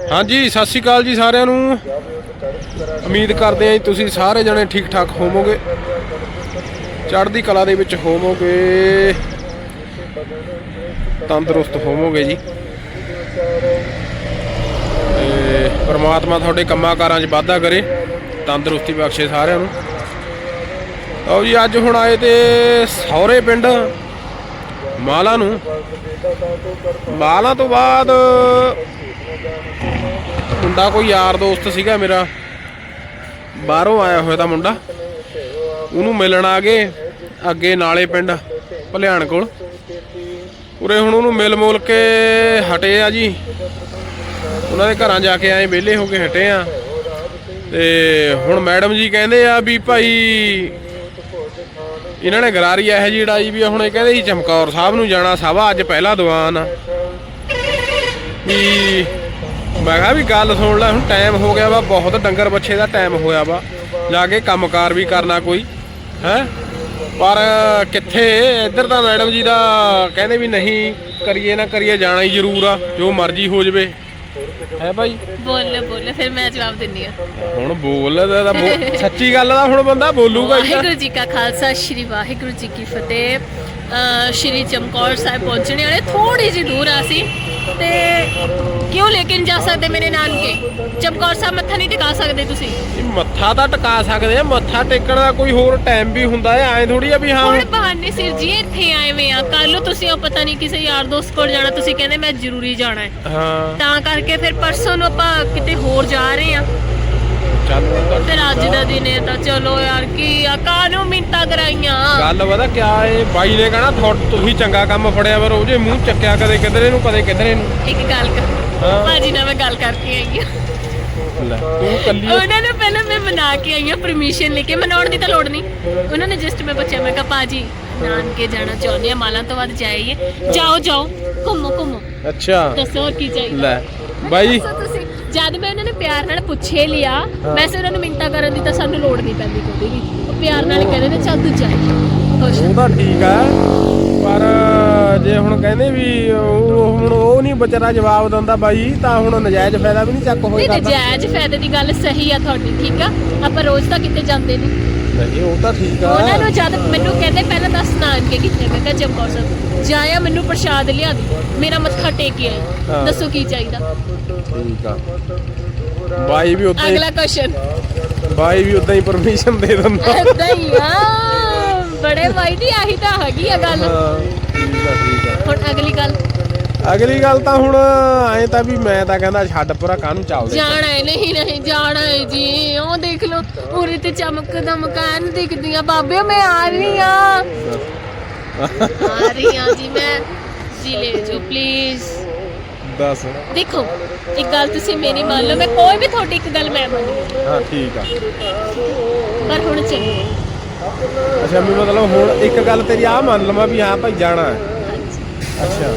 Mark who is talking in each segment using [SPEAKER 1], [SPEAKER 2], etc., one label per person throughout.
[SPEAKER 1] ਹਾਂਜੀ ਸਤਿ ਸ਼੍ਰੀ ਅਕਾਲ ਜੀ ਸਾਰਿਆਂ ਨੂੰ। ਉਮੀਦ ਕਰਦੇ ਹਾਂ ਜੀ ਤੁਸੀਂ ਸਾਰੇ ਜਣੇ ਠੀਕ ਠਾਕ ਹੋਵੋਗੇ, ਚੜ੍ਹਦੀ ਕਲਾ ਦੇ ਵਿੱਚ ਹੋਵੋਗੇ, ਤੰਦਰੁਸਤ ਹੋਵੋਗੇ ਜੀ। ਤੇ ਪਰਮਾਤਮਾ ਤੁਹਾਡੇ ਕੰਮਾਂ ਕਾਰਾਂ 'ਚ ਵਾਧਾ ਕਰੇ, ਤੰਦਰੁਸਤੀ ਬਖਸ਼ੇ ਸਾਰਿਆਂ ਨੂੰ। ਆਓ ਜੀ ਅੱਜ ਹੁਣ ਆਏ ਤੇ ਸਹੁਰੇ ਪਿੰਡ ਮਾਲਾ ਨੂੰ। ਮਾਲਾ ਤੋਂ ਬਾਅਦ ਮੁੰਡਾ ਕੋਈ ਯਾਰ ਦੋਸਤ ਸੀਗਾ ਮੇਰਾ, ਬਾਹਰੋਂ ਆਇਆ ਹੋਇਆ ਤਾਂ ਮੁੰਡਾ, ਉਹਨੂੰ ਮਿਲਣ ਆ ਗਏ ਅੱਗੇ ਨਾਲੇ ਪਿੰਡ ਭਲਿਆਣ ਕੋਲ। ਉਰੇ ਹੁਣ ਉਹਨੂੰ ਮਿਲ ਮੁਲ ਕੇ ਹਟੇ ਆ ਜੀ, ਉਹਨਾਂ ਦੇ ਘਰਾਂ ਜਾ ਕੇ ਆਏ, ਵਿਹਲੇ ਹੋ ਕੇ ਹਟੇ ਆ। ਤੇ ਹੁਣ ਮੈਡਮ ਜੀ ਕਹਿੰਦੇ ਆ ਵੀ ਭਾਈ ਇਹਨਾਂ ਨੇ ਗਰਾਰੀ ਇਹੋ ਜਿਹੀ ਉਡਾਈ ਵੀ ਹੁਣ ਇਹ ਕਹਿੰਦੇ ਜੀ ਚਮਕੌਰ ਸਾਹਿਬ ਨੂੰ ਜਾਣਾ, ਸਭਾ ਅੱਜ ਪਹਿਲਾ ਦੀਵਾਨ ਆ ਵੀ। ਮੈਂ ਕਿਹਾ ਵੀ ਗੱਲ ਸੁਣ ਲੈ, ਹੁਣ ਟਾਈਮ ਹੋ ਗਿਆ ਵਾ ਬਹੁਤ, ਡੰਗਰ ਬੱਛੇ ਦਾ ਟਾਈਮ ਹੋਇਆ ਵਾ, ਜਾ ਕੇ ਕੰਮਕਾਰ ਵੀ ਕਰਨਾ ਕੋਈ ਹੈ। ਪਰ ਕਿੱਥੇ ਇੱਧਰ ਤਾਂ ਮੈਡਮ ਜੀ ਦਾ ਕਹਿੰਦੇ ਵੀ ਨਹੀਂ ਕਰੀਏ ਨਾ ਕਰੀਏ, ਜਾਣਾ ਹੀ ਜ਼ਰੂਰ ਆ, ਜੋ ਮਰਜ਼ੀ ਹੋ ਜਾਵੇ ਹੈ ਭਾਈ।
[SPEAKER 2] ਬੋਲ ਫਿਰ ਮੈਂ ਜਵਾਬ ਦਿੰਨੀ ਆ।
[SPEAKER 1] ਹੁਣ ਬੋਲ ਸੱਚੀ ਗੱਲ ਦਾ ਹੁਣ ਬੰਦਾ ਬੋਲੂਗਾ।
[SPEAKER 2] ਵਾਹਿਗੁਰੂ ਜੀ ਕਾ ਖਾਲਸਾ, ਸ਼੍ਰੀ ਵਾਹਿਗੁਰੂ ਜੀ ਕੀ ਫਤਿਹ। ਸ਼੍ਰੀ ਚਮਕੌਰ ਸਾਹਿਬ ਪਹੁੰਚਣੇ ਵਾਲੇ, ਥੋੜੀ ਜਿਹੀ ਦੂਰ ਆ ਸੀ ਤੇ ਕਿਉਂ ਲੇਕਿਨ ਜਾ ਸਕਦੇ ਮੇਰੇ ਨਾਨਕੇ ਚਮਕੌਰ ਸਾਹਿਬ ਮੱਥਾ ਨਹੀਂ ਟਿਕਾ ਸਕਦੇ ਤੁਸੀਂ?
[SPEAKER 1] ਮੱਥਾ ਤਾਂ ਟਿਕਾ ਸਕਦੇ ਆ, ਮੱਥਾ ਟੇਕਣ ਦਾ ਕੋਈ ਹੋਰ ਟਾਈਮ ਵੀ ਹੁੰਦਾ ਹੈ, ਐਂ ਥੋੜੀ ਆ ਵੀ ਹਾਂ
[SPEAKER 2] ਹੁਣ ਬਹਾਨੇ ਸਿਰ ਜੀ ਇੱਥੇ ਆਏ ਵੇ ਆ। ਕੱਲ ਨੂੰ ਤੁਸੀਂ ਉਹ ਪਤਾ ਨਹੀਂ ਕਿਸੇ ਯਾਰ ਦੋਸਤ ਕੋਲ ਜਾਣਾ, ਤੁਸੀਂ ਕਹਿੰਦੇ ਮੈਂ ਜ਼ਰੂਰੀ ਜਾਣਾ ਹੈ,
[SPEAKER 1] ਹਾਂ
[SPEAKER 2] ਤਾਂ ਕਰਕੇ ਫਿਰ ਪਰਸੋਂ ਨੂੰ ਆਪਾਂ ਕਿਤੇ ਹੋਰ ਜਾ ਰਹੇ ਆ। ਫਿਰ ਅੱਜ ਦਾ ਦਿਨ ਹੈ ਤਾਂ ਚਲੋ ਯਾਰ ਕੀ ਆ, ਕਾਹਨੂੰ ਮਿੰਟਾਂ ਕਰਾਈਆਂ।
[SPEAKER 1] ਗੱਲ ਪਤਾ ਕਿਆ ਏ, ਬਾਈ ਨੇ ਕਹਿਣਾ ਤੁਸੀਂ ਚੰਗਾ ਕੰਮ ਫੜਿਆ ਪਰ ਉਹਦੇ ਮੂੰਹ ਚੱਕਿਆ ਕਦੇ ਕਿਧਰੇ ਨੂੰ ਕਦੇ ਕਿਧਰੇ ਨੂੰ।
[SPEAKER 2] ਇੱਕ ਗੱਲ ਕਰ ਭਾਜੀ ਨਾਲ ਮੈਂ ਗੱਲ ਕਰਕੇ ਆਈ ਆ,
[SPEAKER 1] ਤੂੰ ਕੱਲੀ
[SPEAKER 2] ਉਹਨਾਂ ਨੂੰ ਪਹਿਲਾਂ ਮੈਂ ਮਨਾ ਕੇ ਆਈ ਆ, ਪਰਮਿਸ਼ਨ ਲੈ ਕੇ। ਮਨਾਉਣ ਦੀ ਤਾਂ ਲੋੜ ਨਹੀਂ, ਉਹਨਾਂ ਨੇ ਜਸਟ ਮੈਂ ਪੁੱਛਿਆ, ਮੈਂ ਕਿਹਾ ਭਾਜੀ ਨਾਨਕੇ ਜਾਣਾ ਚਾਹੁੰਦੇ ਆ, ਮਾਲਾਂ ਤੋਂ ਬਾਅਦ ਜਾਈਏ। ਜਾਓ ਜਾਓ ਘੁੰਮੋ ਘੁੰਮੋ।
[SPEAKER 1] ਅੱਛਾ
[SPEAKER 2] ਦੱਸੋ ਹੋਰ ਕੀ ਚਾਹੀਦਾ
[SPEAKER 1] ਲੈ ਬਾਈ।
[SPEAKER 2] ਤੁਸੀਂ ਜਦ ਮੈਂ ਉਹਨਾਂ ਨੇ ਪਿਆਰ ਨਾਲ ਪੁੱਛੇ ਲਿਆ, ਵੈਸੇ ਉਹਨਾਂ ਨੂੰ ਮਿੰਟਾਂ ਕਰਨ ਦੀ ਤਾਂ ਸਾਨੂੰ ਲੋੜ ਨਹੀਂ ਪੈਂਦੀ ਕੋਈ ਵੀ, ਉਹ ਪਿਆਰ ਨਾਲ ਕਹਿੰਦੇ ਨੇ ਚੱਲ ਤੂੰ ਜਾਈ ਖੁਸ਼।
[SPEAKER 1] ਉਹ ਤਾਂ ਠੀਕ ਆ, ਪਰ ਜੇ ਹੁਣ ਕਹਿੰਦੇ ਵੀ ਹੁਣ ਉਹ ਨਹੀਂ ਵਿਚਾਰਾ ਜਵਾਬ ਦਿੰਦਾ ਬਾਈ, ਤਾਂ ਹੁਣ ਨਜਾਇਜ਼ ਫਾਇਦਾ ਵੀ ਨਹੀਂ ਚੱਕ ਹੋਏਗਾ।
[SPEAKER 2] ਨਹੀਂ ਨਜਾਇਜ਼ ਫਾਇਦੇ ਦੀ ਗੱਲ ਸਹੀ ਆ ਤੁਹਾਡੀ, ਠੀਕ ਆ, ਆਪਾਂ ਰੋਜ਼ ਤਾਂ ਕਿਤੇ ਜਾਂਦੇ ਨਹੀਂ।
[SPEAKER 1] ਨਹੀਂ ਉਹ ਤਾਂ ਠੀਕ ਆ।
[SPEAKER 2] ਉਹਨਾਂ ਨੂੰ ਜਦ ਮੈਨੂੰ ਕਹਿੰਦੇ ਪਹਿਲਾਂ ਦੱਸ ਨਾਨਕੇ ਕਿੱਥੇ, ਮੈਂ ਕਿਹਾ ਚਮਕੌਰ ਸਾਹਿਬ ਜਾਇਆ, ਮੈਨੂੰ ਪ੍ਰਸ਼ਾਦ ਲਿਆ ਦੀ, ਮੇਰਾ ਮੱਥਾ ਟੇਕ ਆਇਆ, ਦੱਸੋ ਕੀ ਚਾਹੀਦਾ।
[SPEAKER 1] ਠੀਕ ਆ ਬਾਈ ਵੀ ਉਦਾਂ ਹੀ,
[SPEAKER 2] ਅਗਲਾ ਕੁਐਸਚਨ
[SPEAKER 1] ਬਾਈ ਵੀ ਉਦਾਂ ਹੀ ਪਰਮਿਸ਼ਨ ਦੇ ਦਿੰਦਾ।
[SPEAKER 2] ਏਦਾਂ ਹੀ ਆ ਬੜੇ ਬਾਈ ਦੀ, ਆਹੀ ਤਾਂ ਹੈਗੀ ਆ ਗੱਲ।
[SPEAKER 1] ਠੀਕ ਆ ਠੀਕ ਆ।
[SPEAKER 2] ਹੁਣ
[SPEAKER 1] ਅਗਲੀ ਗੱਲ ਤਾਂ ਹੁਣ ਐ ਤਾਂ ਵੀ ਮੈਂ ਤਾਂ ਕਹਿੰਦਾ ਛੱਡ ਪਰਾ, ਕਾਹਨੂੰ ਚਾਵਦੇ
[SPEAKER 2] ਜਾਣਾ ਹੈ। ਨਹੀਂ ਜਾਣਾ ਹੈ ਜੀ, ਉਹ ਦੇਖ ਲਓ ਉਰੇ ਤੇ ਚਮਕ ਦਮਕਾਨ ਦਿਖਦੀਆਂ। ਬਾਬੇ ਮੈਂ ਆ ਰਹੀ ਆ ਜੀ, ਮੈਂ ਜੀ ਲੈ ਜੋ ਪਲੀਜ਼।
[SPEAKER 1] ਦੱਸ
[SPEAKER 2] ਦੇਖੋ ਇੱਕ ਗੱਲ ਤੁਸੀਂ ਮੇਰੀ ਮੰਨ ਲਓ, ਮੈਂ ਕੋਈ ਵੀ ਤੁਹਾਡੀ ਇੱਕ ਗੱਲ ਮੈਂ ਮੰਨੂ।
[SPEAKER 1] ਹਾਂ ਠੀਕ ਆ,
[SPEAKER 2] ਪਰ ਹੁਣ ਚੱਲੋ।
[SPEAKER 1] ਅੱਛਾ ਵੀ ਮਤਲਬ ਹੁਣ ਇੱਕ ਗੱਲ ਤੇਰੀ ਆ ਮੰਨ ਲਵਾਂ ਵੀ ਹਾਂ ਭਾਈ ਜਾਣਾ ਹੈ। ਅੱਛਾ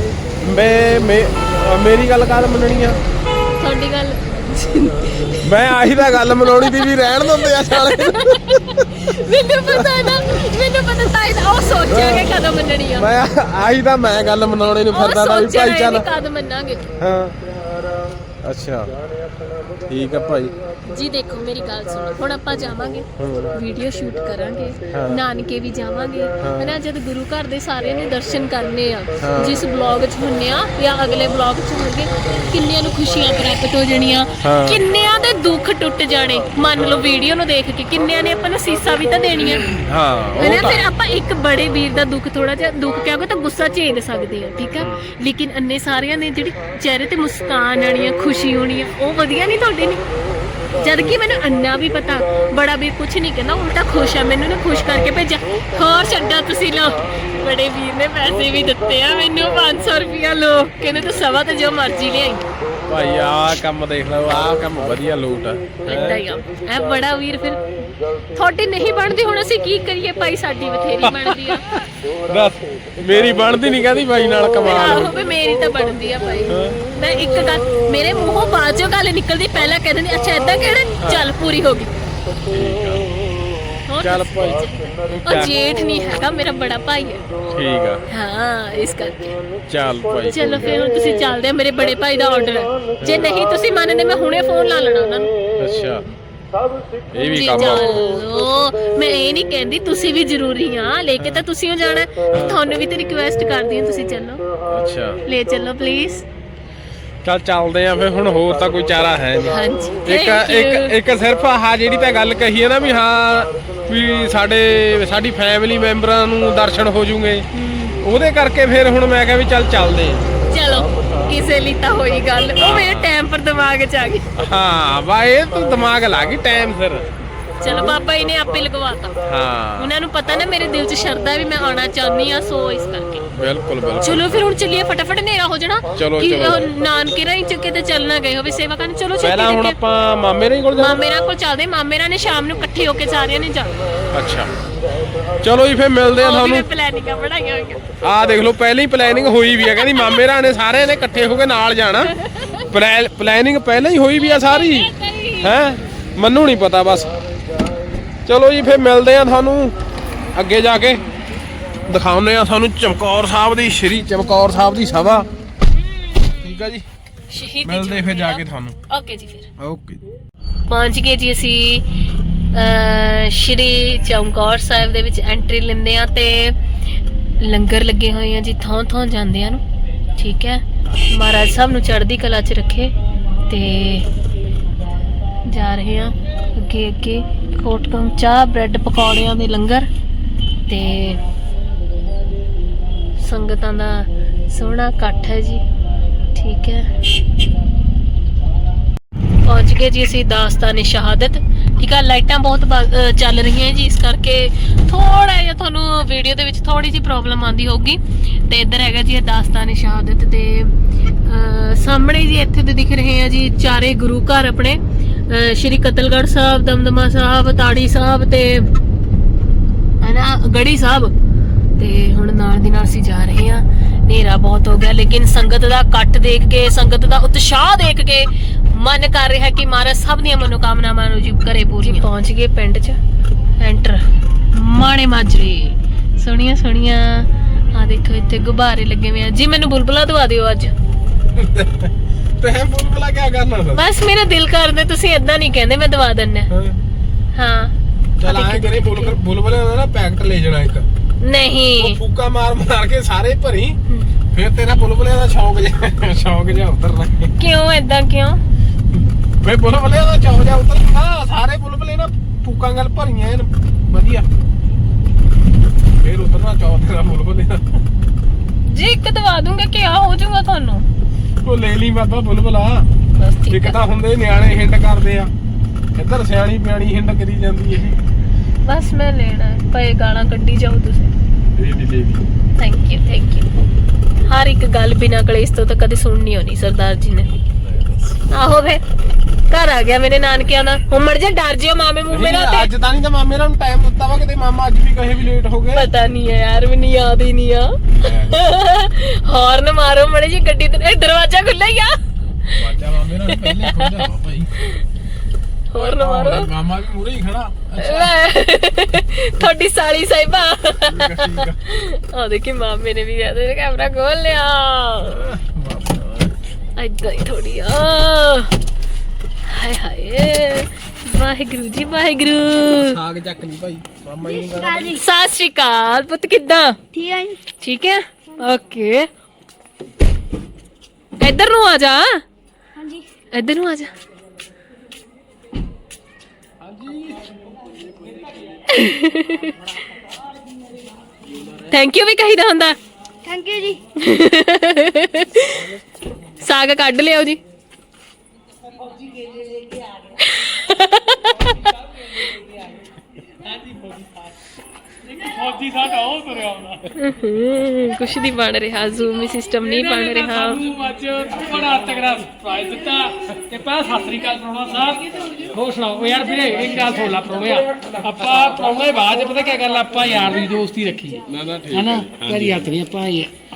[SPEAKER 1] ਮੇਰੀ ਗੱਲ ਕਾਹਦ ਮੰਨਣੀ ਆ?
[SPEAKER 2] ਤੁਹਾਡੀ ਗੱਲ
[SPEAKER 1] ਮੈਂ ਆਹੀ ਤਾਂ ਗੱਲ ਮਨਾਉਣੀ ਦੀ ਵੀ ਰਹਿਣ ਦਿੰਦੇ ਆ ਸਾਲੇ।
[SPEAKER 2] ਮੈਨੂੰ ਪਤਾ ਤਾਂ ਉਹ ਸੋਚਿਆ ਕਿ ਕਦੋਂ ਮੰਨਣੀ ਆ।
[SPEAKER 1] ਮੈਂ ਆਹੀ ਤਾਂ ਮੈਂ ਗੱਲ ਮਨਾਉਣੇ ਨੂੰ ਫਿਰਦਾ ਤਾਂ ਵੀ ਭਾਈ ਚੱਲ
[SPEAKER 2] ਕਦ ਮੰਨਾਂਗੇ।
[SPEAKER 1] ਹਾਂ ਅੱਛਾ ਠੀਕ ਆ ਭਾਈ
[SPEAKER 2] ਜੀ। ਦੇਖੋ ਮੇਰੀ ਗੱਲ ਸੁਣੋ, ਹੁਣ ਆਪਾਂ ਜਾਵਾਂਗੇ, ਵੀਡੀਓ ਸ਼ੂਟ ਕਰਾਂਗੇ, ਨਾਨਕੇ ਵੀ ਜਾਵਾਂਗੇ ਹਨਾ। ਜਦ ਗੁਰੂ ਘਰ ਦੇ ਸਾਰਿਆਂ ਨੇ ਦਰਸ਼ਨ ਕਰਨੇ ਆ, ਜਿਸ ਬਲੌਗ 'ਚ ਹੁੰਨੇ ਆ ਜਾਂ ਅਗਲੇ ਬਲੌਗ 'ਚ ਹੋਣਗੇ, ਕਿੰਨਿਆਂ ਨੂੰ ਖੁਸ਼ੀਆਂ ਪ੍ਰਾਪਤ ਹੋ ਜਾਣੀਆਂ, ਕਿੰਨਿਆਂ ਦੇ ਦੁੱਖ ਟੁੱਟ ਜਾਣੇ। ਮੰਨ ਲਓ ਵੀਡੀਓ ਨੂੰ ਦੇਖ ਕੇ ਕਿੰਨਿਆਂ ਨੇ ਆਪਾਂ ਨੂੰ ਸੀਸਾਂ ਵੀ ਤਾਂ ਦੇਣੀਆਂ ਹਨਾ। ਫਿਰ ਆਪਾਂ ਇੱਕ ਬੜੇ ਵੀਰ ਦਾ ਦੁੱਖ, ਥੋੜਾ ਜਿਹਾ ਦੁੱਖ ਕਹੋਗੇ ਤਾਂ ਗੁੱਸਾ ਝੇਲ ਸਕਦੇ ਆ, ਠੀਕ ਆ। ਲੇਕਿਨ ਅੰਨੇ ਸਾਰਿਆਂ ਨੇ ਜਿਹੜੀ ਚਿਹਰੇ ਤੇ ਮੁਸਕਾਨ ਆਣੀ ਆ, ਖੁਸ਼ੀ ਹੋਣੀ ਆ, ਉਹ ਵਧੀਆ ਨਹੀਂ ਤੁਹਾਡੇ ਨਹੀਂ। ਜਦ ਕਿ ਮੈਨੂੰ ਅੰਨਾ ਵੀ ਪਤਾ, ਬੜਾ ਵੀਰ ਕੁਛ ਨਹੀਂ ਕਹਿੰਦਾ, ਉਲਟਾ ਖੁਸ਼ ਆ, ਮੈਨੂੰ ਨਾ ਖੁਸ਼ ਕਰਕੇ ਭੇਜਿਆ। ਹੋਰ ਛੱਡਾ ਤੁਸੀਂ ਲਓ, ਬੜੇ ਵੀਰ ਨੇ ਪੈਸੇ ਵੀ ਦਿੱਤੇ ਆ ਮੈਨੂੰ, 500 ਰੁਪਇਆ ਲੋ, ਕਹਿੰਦੇ ਤੂੰ ਸਵਾ ਤੇ ਜੋ ਮਰਜ਼ੀ ਲਿਆਈ।
[SPEAKER 1] ਭਾਈ ਆਹ ਕੰਮ ਦੇਖ ਲਓ, ਆਹ ਕੰਮ ਵਧੀਆ ਲੋਟ ਆ।
[SPEAKER 2] ਏਦਾਂ ਹੀ ਆ ਇਹ ਬੜਾ ਵੀਰ। ਫਿਰ ਤੁਹਾਡੀ ਨਹੀਂ ਬਣਦੀ, ਹੁਣ ਅਸੀਂ ਕੀ ਕਰੀਏ ਭਾਈ, ਸਾਡੀ ਬਥੇਰੀ ਬਣਦੀ ਆ।
[SPEAKER 1] ਦੱਸ ਮੇਰੀ ਬਣਦੀ ਨਹੀਂ ਕਹਿੰਦੀ ਬਾਈ ਨਾਲ ਕਮਾਲ।
[SPEAKER 2] ਆਹੋ ਮੇਰੀ ਤਾਂ ਬਣਦੀ ਆ ਭਾਈ। ਮੈਂ ਇੱਕ ਗੱਲ ਮੇਰੇ ਮੂੰਹੋਂ ਬਾਅਦ ਚੋਂ ਗੱਲ ਨਿਕਲਦੀ, ਪਹਿਲਾਂ ਕਹਿੰਦੇ ਨੇ ਅੱਛਾ ਏਦਾਂ ਕਹਿਣਾ, ਚੱਲ ਪੂਰੀ ਹੋ ਗਈ। ਹੋਰ
[SPEAKER 1] ਚੱਲ ਭਾਈ
[SPEAKER 2] ਉਹ ਜੇਠ ਨਹੀਂ ਹੈਗਾ, ਮੇਰਾ ਬੜਾ ਭਾਈ ਹੈ।
[SPEAKER 1] ਠੀਕ ਆ,
[SPEAKER 2] ਹਾਂ ਇਸ ਕਰਕੇ
[SPEAKER 1] ਚੱਲ ਭਾਈ।
[SPEAKER 2] ਚਲੋ ਫਿਰ ਹੁਣ ਤੁਸੀਂ ਚੱਲਦੇ ਆ, ਮੇਰੇ ਬੜੇ ਭਾਈ ਦਾ ਆਰਡਰ ਹੈ। ਜੇ ਨਹੀਂ ਤੁਸੀਂ ਮੰਨਦੇ ਮੈਂ ਹੁਣੇ ਫੋਨ ਲਾ ਲੈਣਾ ਉਹਨਾਂ ਨੂੰ।
[SPEAKER 1] ਅੱਛਾ ਇਹ ਵੀ
[SPEAKER 2] ਜੀ
[SPEAKER 1] ਕੰਮ ਆ।
[SPEAKER 2] ਚਲੋ, ਮੈਂ ਇਹ ਨਹੀਂ ਕਹਿੰਦੀ ਤੁਸੀਂ ਵੀ ਜ਼ਰੂਰੀ ਆ, ਲੈ ਕੇ ਤਾਂ ਤੁਸੀਂ ਹੋ ਜਾਣਾ, ਤੁਹਾਨੂੰ ਵੀ ਤੇ ਰਿਕੁਐਸਟ ਕਰਦੀ ਹਾਂ ਤੁਸੀਂ ਚੱਲੋ,
[SPEAKER 1] ਅੱਛਾ
[SPEAKER 2] ਲੈ ਚੱਲੋ ਪਲੀਜ਼।
[SPEAKER 1] ਚੱਲ ਚੱਲਦੇ ਆ ਫਿਰ, ਹੁਣ ਹੋਰ ਤਾਂ ਕੋਈ ਚਾਰਾ ਹੈ ਨਹੀਂ।
[SPEAKER 2] ਹਾਂਜੀ
[SPEAKER 1] ਇੱਕ ਸਿਰਫ ਆਹ ਜਿਹੜੀ ਤਾਂ ਗੱਲ ਕਹੀ ਹੈ ਨਾ ਵੀ ਹਾਂ ਵੀ ਸਾਡੀ ਫੈਮਿਲੀ ਮੈਂਬਰਾਂ ਨੂੰ ਦਰਸ਼ਨ ਹੋ ਜੂਗੇ, ਉਹਦੇ ਕਰਕੇ ਫਿਰ ਹੁਣ ਮੈਂ ਕਿਹਾ ਵੀ ਚੱਲਦੇ ਆ।
[SPEAKER 2] ਚਲੋ ਕਿਸੇ ਲਈ ਤਾਂ ਹੋਈ ਗੱਲ, ਉਹ ਮੇਰੇ ਟਾਈਮ ਪਰ ਦਿਮਾਗ 'ਚ ਆ ਗਈ।
[SPEAKER 1] ਹਾਂ ਵਾ ਇਹ ਤਾਂ ਦਿਮਾਗ ਲਾ ਗਈ ਟਾਈਮ ਸਿਰ।
[SPEAKER 2] ਚਲੋ ਬਾਬਾ ਜੀ ਨੇ ਆਪੇ ਲਗਵਾਤਾ।
[SPEAKER 1] ਹਾਂ
[SPEAKER 2] ਉਹਨਾਂ ਨੂੰ ਪਤਾ ਨਾ ਮੇਰੇ ਦਿਲ 'ਚ ਸ਼ਰਧਾ ਵੀ ਮੈਂ ਆਉਣਾ ਚਾਹੁੰਦੀ ਆ, ਸੋ ਇਸ ਕਰਕੇ।
[SPEAKER 1] ਬਿਲਕੁਲ ਬਿਲਕੁਲ।
[SPEAKER 2] ਚਲੋ ਫਿਰ ਹੁਣ ਚੱਲੀਏ, ਫਟਾਫਟ ਹਨੇਰਾ ਹੋ ਜਾਣਾ।
[SPEAKER 1] ਚਲੋ,
[SPEAKER 2] ਕਿ
[SPEAKER 1] ਚਲੋ।
[SPEAKER 2] ਨਾਨਕੇ ਰਾਹੀਂ ਚੱਕੇ ਤੇ ਚੱਲਣਾ ਗਏ ਹੋਵੇ ਸੇਵਾ ਕਰਨ। ਚਲੋ
[SPEAKER 1] ਪਹਿਲਾਂ ਹੁਣ ਆਪਾਂ ਮਾਮੇ ਰਾਂ ਕੋਲ ਜਾਣਾ।
[SPEAKER 2] ਮਾਮੇ ਰਾਂ ਕੋਲ ਚੱਲਦੇ, ਮਾਮੇ ਰਾਂ ਨੇ ਸ਼ਾਮ ਨੂੰ ਇਕੱਠੇ ਹੋ ਕੇ ਸਾਰਿਆਂ ਨੇ ਜਾਣਾ।
[SPEAKER 1] ਅੱਛਾ ਚਲੋ ਜੀ ਫਿਰ ਮਿਲਦੇ ਆ ਤੁਹਾਨੂੰ।
[SPEAKER 2] ਪਲੈਨਿੰਗਾਂ ਬਣਾਈਆਂ ਹੋਈਆਂ।
[SPEAKER 1] ਆਹ ਦੇਖ ਲਓ ਪਹਿਲਾਂ ਹੀ ਪਲੈਨਿੰਗ ਹੋਈ ਵੀ ਆ, ਕਹਿੰਦੀ ਮਾਮੇ ਰਾਂ ਨੇ ਸਾਰਿਆਂ ਨੇ ਇਕੱਠੇ ਹੋ ਕੇ ਨਾਲ ਜਾਣਾ। ਪਲੈਨਿੰਗ ਪਹਿਲਾਂ ਹੀ ਹੋਈ ਵੀ ਆ ਸਾਰੀ ਹੈ, ਮੈਨੂੰ ਨਹੀਂ ਪਤਾ ਬਸ। ਚਲੋ ਜੀ ਫਿਰ ਮਿਲਦੇ ਆ ਤੁਹਾਨੂੰ ਅੱਗੇ ਜਾ ਕੇ, ਦਿਖਾਉਂਦੇ ਆ ਤੁਹਾਨੂੰ ਚਮਕੌਰ ਸਾਹਿਬ ਦੀ, ਸ਼੍ਰੀ ਚਮਕੌਰ ਸਾਹਿਬ ਦੀ ਸਭਾ। ਠੀਕ ਆ ਜੀ, ਮਿਲਦੇ ਫਿਰ ਜਾ ਕੇ ਤੁਹਾਨੂੰ।
[SPEAKER 2] ਓਕੇ ਜੀ, ਫਿਰ
[SPEAKER 1] ਓਕੇ।
[SPEAKER 2] ਪਹੁੰਚ ਗਏ ਜੀ ਅਸੀਂ ਸ਼੍ਰੀ ਚਮਕੌਰ ਸਾਹਿਬ ਦੇ ਵਿੱਚ ਐਂਟਰੀ ਲੈਂਦੇ ਆ ਤੇ ਲੰਗਰ ਲੱਗੇ ਹੋਏ ਆ ਜੀ ਥਾਂ ਜਾਂਦੇ ਆ ਨੂੰ। ਠੀਕ ਹੈ, ਮਹਾਰਾਜ ਸਾਹਿਬ ਨੂੰ ਚੜ੍ਹਦੀ ਕਲਾ 'ਚ ਰੱਖੇ। ਤੇ ਜਾ ਰਹੇ ਆ ਅੱਗੇ ਕੋਟਕਮ ਚਾਹ ਬ੍ਰੈਡ ਪਕੌੜਿਆਂ ਦੇ ਲੰਗਰ ਤੇ ਸੰਗਤਾਂ ਦਾ ਸੋਹਣਾ ਇਕੱਠ ਹੈ ਜੀ। ਠੀਕ ਹੈ, ਪਹੁੰਚ ਗਏ ਜੀ ਅਸੀਂ ਦਾਸਤਾਨ ਸ਼ਹਾਦਤ। ਠੀਕ ਆ, ਲਾਈਟਾਂ ਬਹੁਤ ਚੱਲ ਰਹੀਆਂ ਜੀ, ਇਸ ਕਰਕੇ ਥੋੜਾ ਜਿਹਾ ਤੁਹਾਨੂੰ ਵੀਡੀਓ ਦੇ ਵਿੱਚ ਥੋੜੀ ਜਿਹੀ ਪ੍ਰੋਬਲਮ ਆਉਂਦੀ ਹੋਊਗੀ। ਤੇ ਇੱਧਰ ਹੈਗਾ ਜੀ ਦਾਸਤਾਨ ਸ਼ਹਾਦਤ ਤੇ ਸਾਹਮਣੇ ਜੀ ਇੱਥੇ ਤੇ ਦਿਖ ਰਹੇ ਆ ਜੀ ਚਾਰੇ ਗੁਰੂ ਘਰ ਆਪਣੇ, ਸ਼੍ਰੀ ਕਤਲਗੜ੍ਹ ਸਾਹਿਬ, ਦਮਦਮਾ ਸਾਹਿਬ, ਤਾੜੀ ਸਾਹਿਬ ਤੇ ਹਨਾ ਗੜੀ ਸਾਹਿਬ। ਤੇ ਹੁਣ ਨਾਲ ਦੀ ਨਾਲ ਅਸੀਂ ਜਾ ਰਹੇ ਆ। ਹਨੇਰਾ ਬਹੁਤ ਹੋ ਗਿਆ, ਲੇਕਿਨ ਸੰਗਤ ਦਾ ਇਕੱਠ ਦੇਖ ਕੇ, ਸੰਗਤ ਦਾ ਉਤਸ਼ਾਹ ਦੇਖ ਕੇ ਮਨ ਕਰ ਰਿਹਾ ਕਿ ਮਹਾਰਾਜ ਸਭ ਦੀਆਂ ਮਨੋਕਾਮਨਾਵਾਂ ਨੂੰ ਜੀ ਕਰੇ ਪੂਰੀ। ਪਹੁੰਚ ਗਏ ਪਿੰਡ 'ਚ, ਐਂਟਰ ਮਾਣੇ ਮਾਜਰੇ, ਸੋਹਣੀਆਂ ਸੋਹਣੀਆਂ। ਆ ਦੇਖੋ ਇੱਥੇ ਗੁਬਾਰੇ ਲੱਗੇ ਹੋਏ ਆ ਜੀ। ਮੈਨੂੰ ਬੁਲਬੁਲਾ ਦਵਾ ਦਿਓ ਅੱਜ।
[SPEAKER 1] ਤੇ ਬੁਲਬੁਲਾ ਕੀ ਕਰਨਾ?
[SPEAKER 2] ਬਸ ਮੇਰਾ ਦਿਲ ਕਰਦਾ, ਤੁਸੀਂ ਏਦਾਂ ਨਹੀਂ ਕਹਿੰਦੇ, ਮੈਂ ਦਵਾ ਦਿੰਨਾ। ਹਾਂ
[SPEAKER 1] ਚਲ ਆਏ ਕਰੇ ਬੁਲਬੁਲੇ ਦਾ ਨਾ ਪੈਕਟ ਲੈ ਜਾਣਾ ਇੱਕ।
[SPEAKER 2] ਨਹੀਂ
[SPEAKER 1] ਫੂਕਾ ਮਾਰ ਕੇ ਸਾਰੇ ਭਰੀ, ਫਿਰ ਤੇਰਾ ਬੁਲਬੁਲਿਆਂ ਦਾ ਸ਼ੌਕ ਜਿਹਾ ਉਤਰਨਾ।
[SPEAKER 2] ਕਿਉਂ ਏਦਾਂ ਕਿਉਂ?
[SPEAKER 1] ਵੇ ਬੁਲਬੁਲਿਆਂ ਦਾ ਸ਼ੌਕ ਜਿਹਾ ਉਤਰਨਾ, ਸਾਰੇ ਬੁਲਬੁਲੇ ਨਾ ਫੂਕਾਂ ਗੱਲ ਭਰੀਆਂ ਐਨ ਵਧੀਆ, ਫਿਰ ਉਤਰਨਾ ਚੌਕ ਤੇਰਾ ਬੁਲਬੁਲਿਆਂ
[SPEAKER 2] ਜੀ। ਇੱਕ ਦਵਾ ਦੂੰਗਾ ਕਿ ਆ ਹੋ ਜਾਊਗਾ ਤੁਹਾਨੂੰ।
[SPEAKER 1] ਉਹ ਲੈ ਲਈ ਬਾਬਾ ਬੁਲਬੁਲਾ।
[SPEAKER 2] ਬਸ ਠੀਕ
[SPEAKER 1] ਇੱਕ
[SPEAKER 2] ਆ,
[SPEAKER 1] ਤਾਂ ਹੁੰਦੇ ਨਿਆਣੇ ਹਿੰਡ ਕਰਦੇ ਆ, ਇੱਧਰ ਸਿਆਣੀ ਪਿਆਣੀ ਹਿੰਡ ਕਰੀ ਜਾਂਦੀ ਹੈ।
[SPEAKER 2] ਬਸ ਮੈਂ ਲੈਣਾ ਹੈ, ਪਏ ਗਾਲਾਂ ਕੱਢੀ ਜਾਓ ਤੁਸੀਂ। Thank you. ਹਰ ਇੱਕ ਗੱਲ ਬਿਨਾਂ ਕਲੇਸ਼ ਤੋਂ ਤਾਂ ਕਦੇ ਸੁਣਨੀ ਹੋਣੀ ਸਰਦਾਰ ਜੀ ਨੇ। ਆਹੋ ਵੇ ਘਰ ਆ ਗਿਆ ਮੇਰੇ ਨਾਨਕਿਆਂ ਦਾ, ਹੁਣ ਮਰ ਜਾ ਡਰ ਜਿਓ ਮਾਮੇ ਮੂਮੇ ਨਾਲ। ਤੇ
[SPEAKER 1] ਅੱਜ ਤਾਂ ਨਹੀਂ ਤਾਂ ਮਾਮੇ ਨੂੰ ਟਾਈਮ ਦਿੱਤਾ ਵਾ, ਕਿਤੇ ਮਾਮਾ ਅੱਜ ਵੀ ਕਹੇ ਵੀ ਲੇਟ ਹੋ ਗਏ।
[SPEAKER 2] ਪਤਾ ਨਹੀਂ ਹੈ ਯਾਰ, ਮੈਨੂੰ ਯਾਦ ਹੀ ਨਹੀਂ ਆ। ਹਾਰਨ ਮਾਰੋ ਮੜੇ ਜੀ ਗੱਡੀ ਤੇ, ਦਰਵਾਜ਼ਾ ਖੁੱਲ੍ਹਾ ਹੀ ਆ।
[SPEAKER 1] ਵਾਜਾ ਮਾਮੇ ਨਾਲ ਪਹਿਲੇ ਖੁੱਲ ਜਾ ਭਾਈ,
[SPEAKER 2] ਹਾਰਨ ਮਾਰੋ।
[SPEAKER 1] ਮਾਮਾ ਵੀ ਮੂਰੇ ਹੀ ਖੜਾ।
[SPEAKER 2] ਤੁਹਾਡੀ ਸਾਲੀ ਸਾਹਿਬਾ। ਆ ਦੇਖੀ ਮਾਮੇ ਨੇ ਵੀ ਕੈਮਰਾ ਖੋਲ ਲਿਆ। ਏਦਾਂ ਹੀ ਥੋੜੀ ਆ। ਹਾਏ ਹਾਏ, ਵਾਹਿਗੁਰੂ ਜੀ ਵਾਹਿਗੁਰੂ।
[SPEAKER 1] ਸਾਗ ਚੱਕ ਲਈ ਭਾਈ, ਮਾਮਾ ਜੀ ਨੂੰ
[SPEAKER 2] ਸਤਿ ਸ਼੍ਰੀ ਅਕਾਲ ਪੁੱਤ, ਕਿੱਦਾਂ?
[SPEAKER 3] ਠੀਕ ਹੈ ਜੀ।
[SPEAKER 2] ਠੀਕ ਹੈ, ਓਕੇ। ਇੱਧਰ ਨੂੰ ਆ ਜਾ।
[SPEAKER 3] ਹਾਂਜੀ
[SPEAKER 2] ਇੱਧਰ ਨੂੰ ਆ ਜਾ। ਥੈਂਕ ਯੂ ਵੀ ਕਹੀਦਾ ਹੁੰਦਾ।
[SPEAKER 3] ਥੈਂਕ ਯੂ ਜੀ।
[SPEAKER 2] ਸਾਗ ਕੱਢ ਲਿਓ ਜੀ।
[SPEAKER 4] ਫੌਜੀ ਸਾਡਾ ਉਹ ਤੁਰਿਆ ਆਉਂਦਾ।
[SPEAKER 2] ਕੁਛ ਨਹੀਂ ਬਣ ਰਿਹਾ, ਜ਼ੂਮ ਸਿਸਟਮ ਨਹੀਂ ਬਣ ਰਿਹਾ।
[SPEAKER 4] ਸਾਨੂੰ ਅੱਜ ਬੜਾ ਤਗੜਾ ਸਰਪ੍ਰਾਈਜ਼ ਦਿੱਤਾ ਤੇ ਪਹਿਲਾਂ ਸਤਿ ਸ੍ਰੀ ਅਕਾਲ ਪ੍ਰਾਹੁਣਾ ਸਾਹਿਬ। ਹੋਰ ਸੁਣਾਓ ਯਾਰ ਵੀਰੇ, ਇੱਕ ਗੱਲ ਸੁਣ ਲਾ ਪ੍ਰਾਹੁਣਿਆ, ਆਪਾਂ ਪ੍ਰਾਹੁਣੇ ਬਾਅਦ ਪਤਾ ਕੀ ਗੱਲ, ਆਪਾਂ ਯਾਰ ਦੀ ਦੋਸਤੀ ਰੱਖੀ ਹੈ ਨਾ, ਕਰੀ ਹੱਥ ਨਹੀਂ ਆਪਾਂ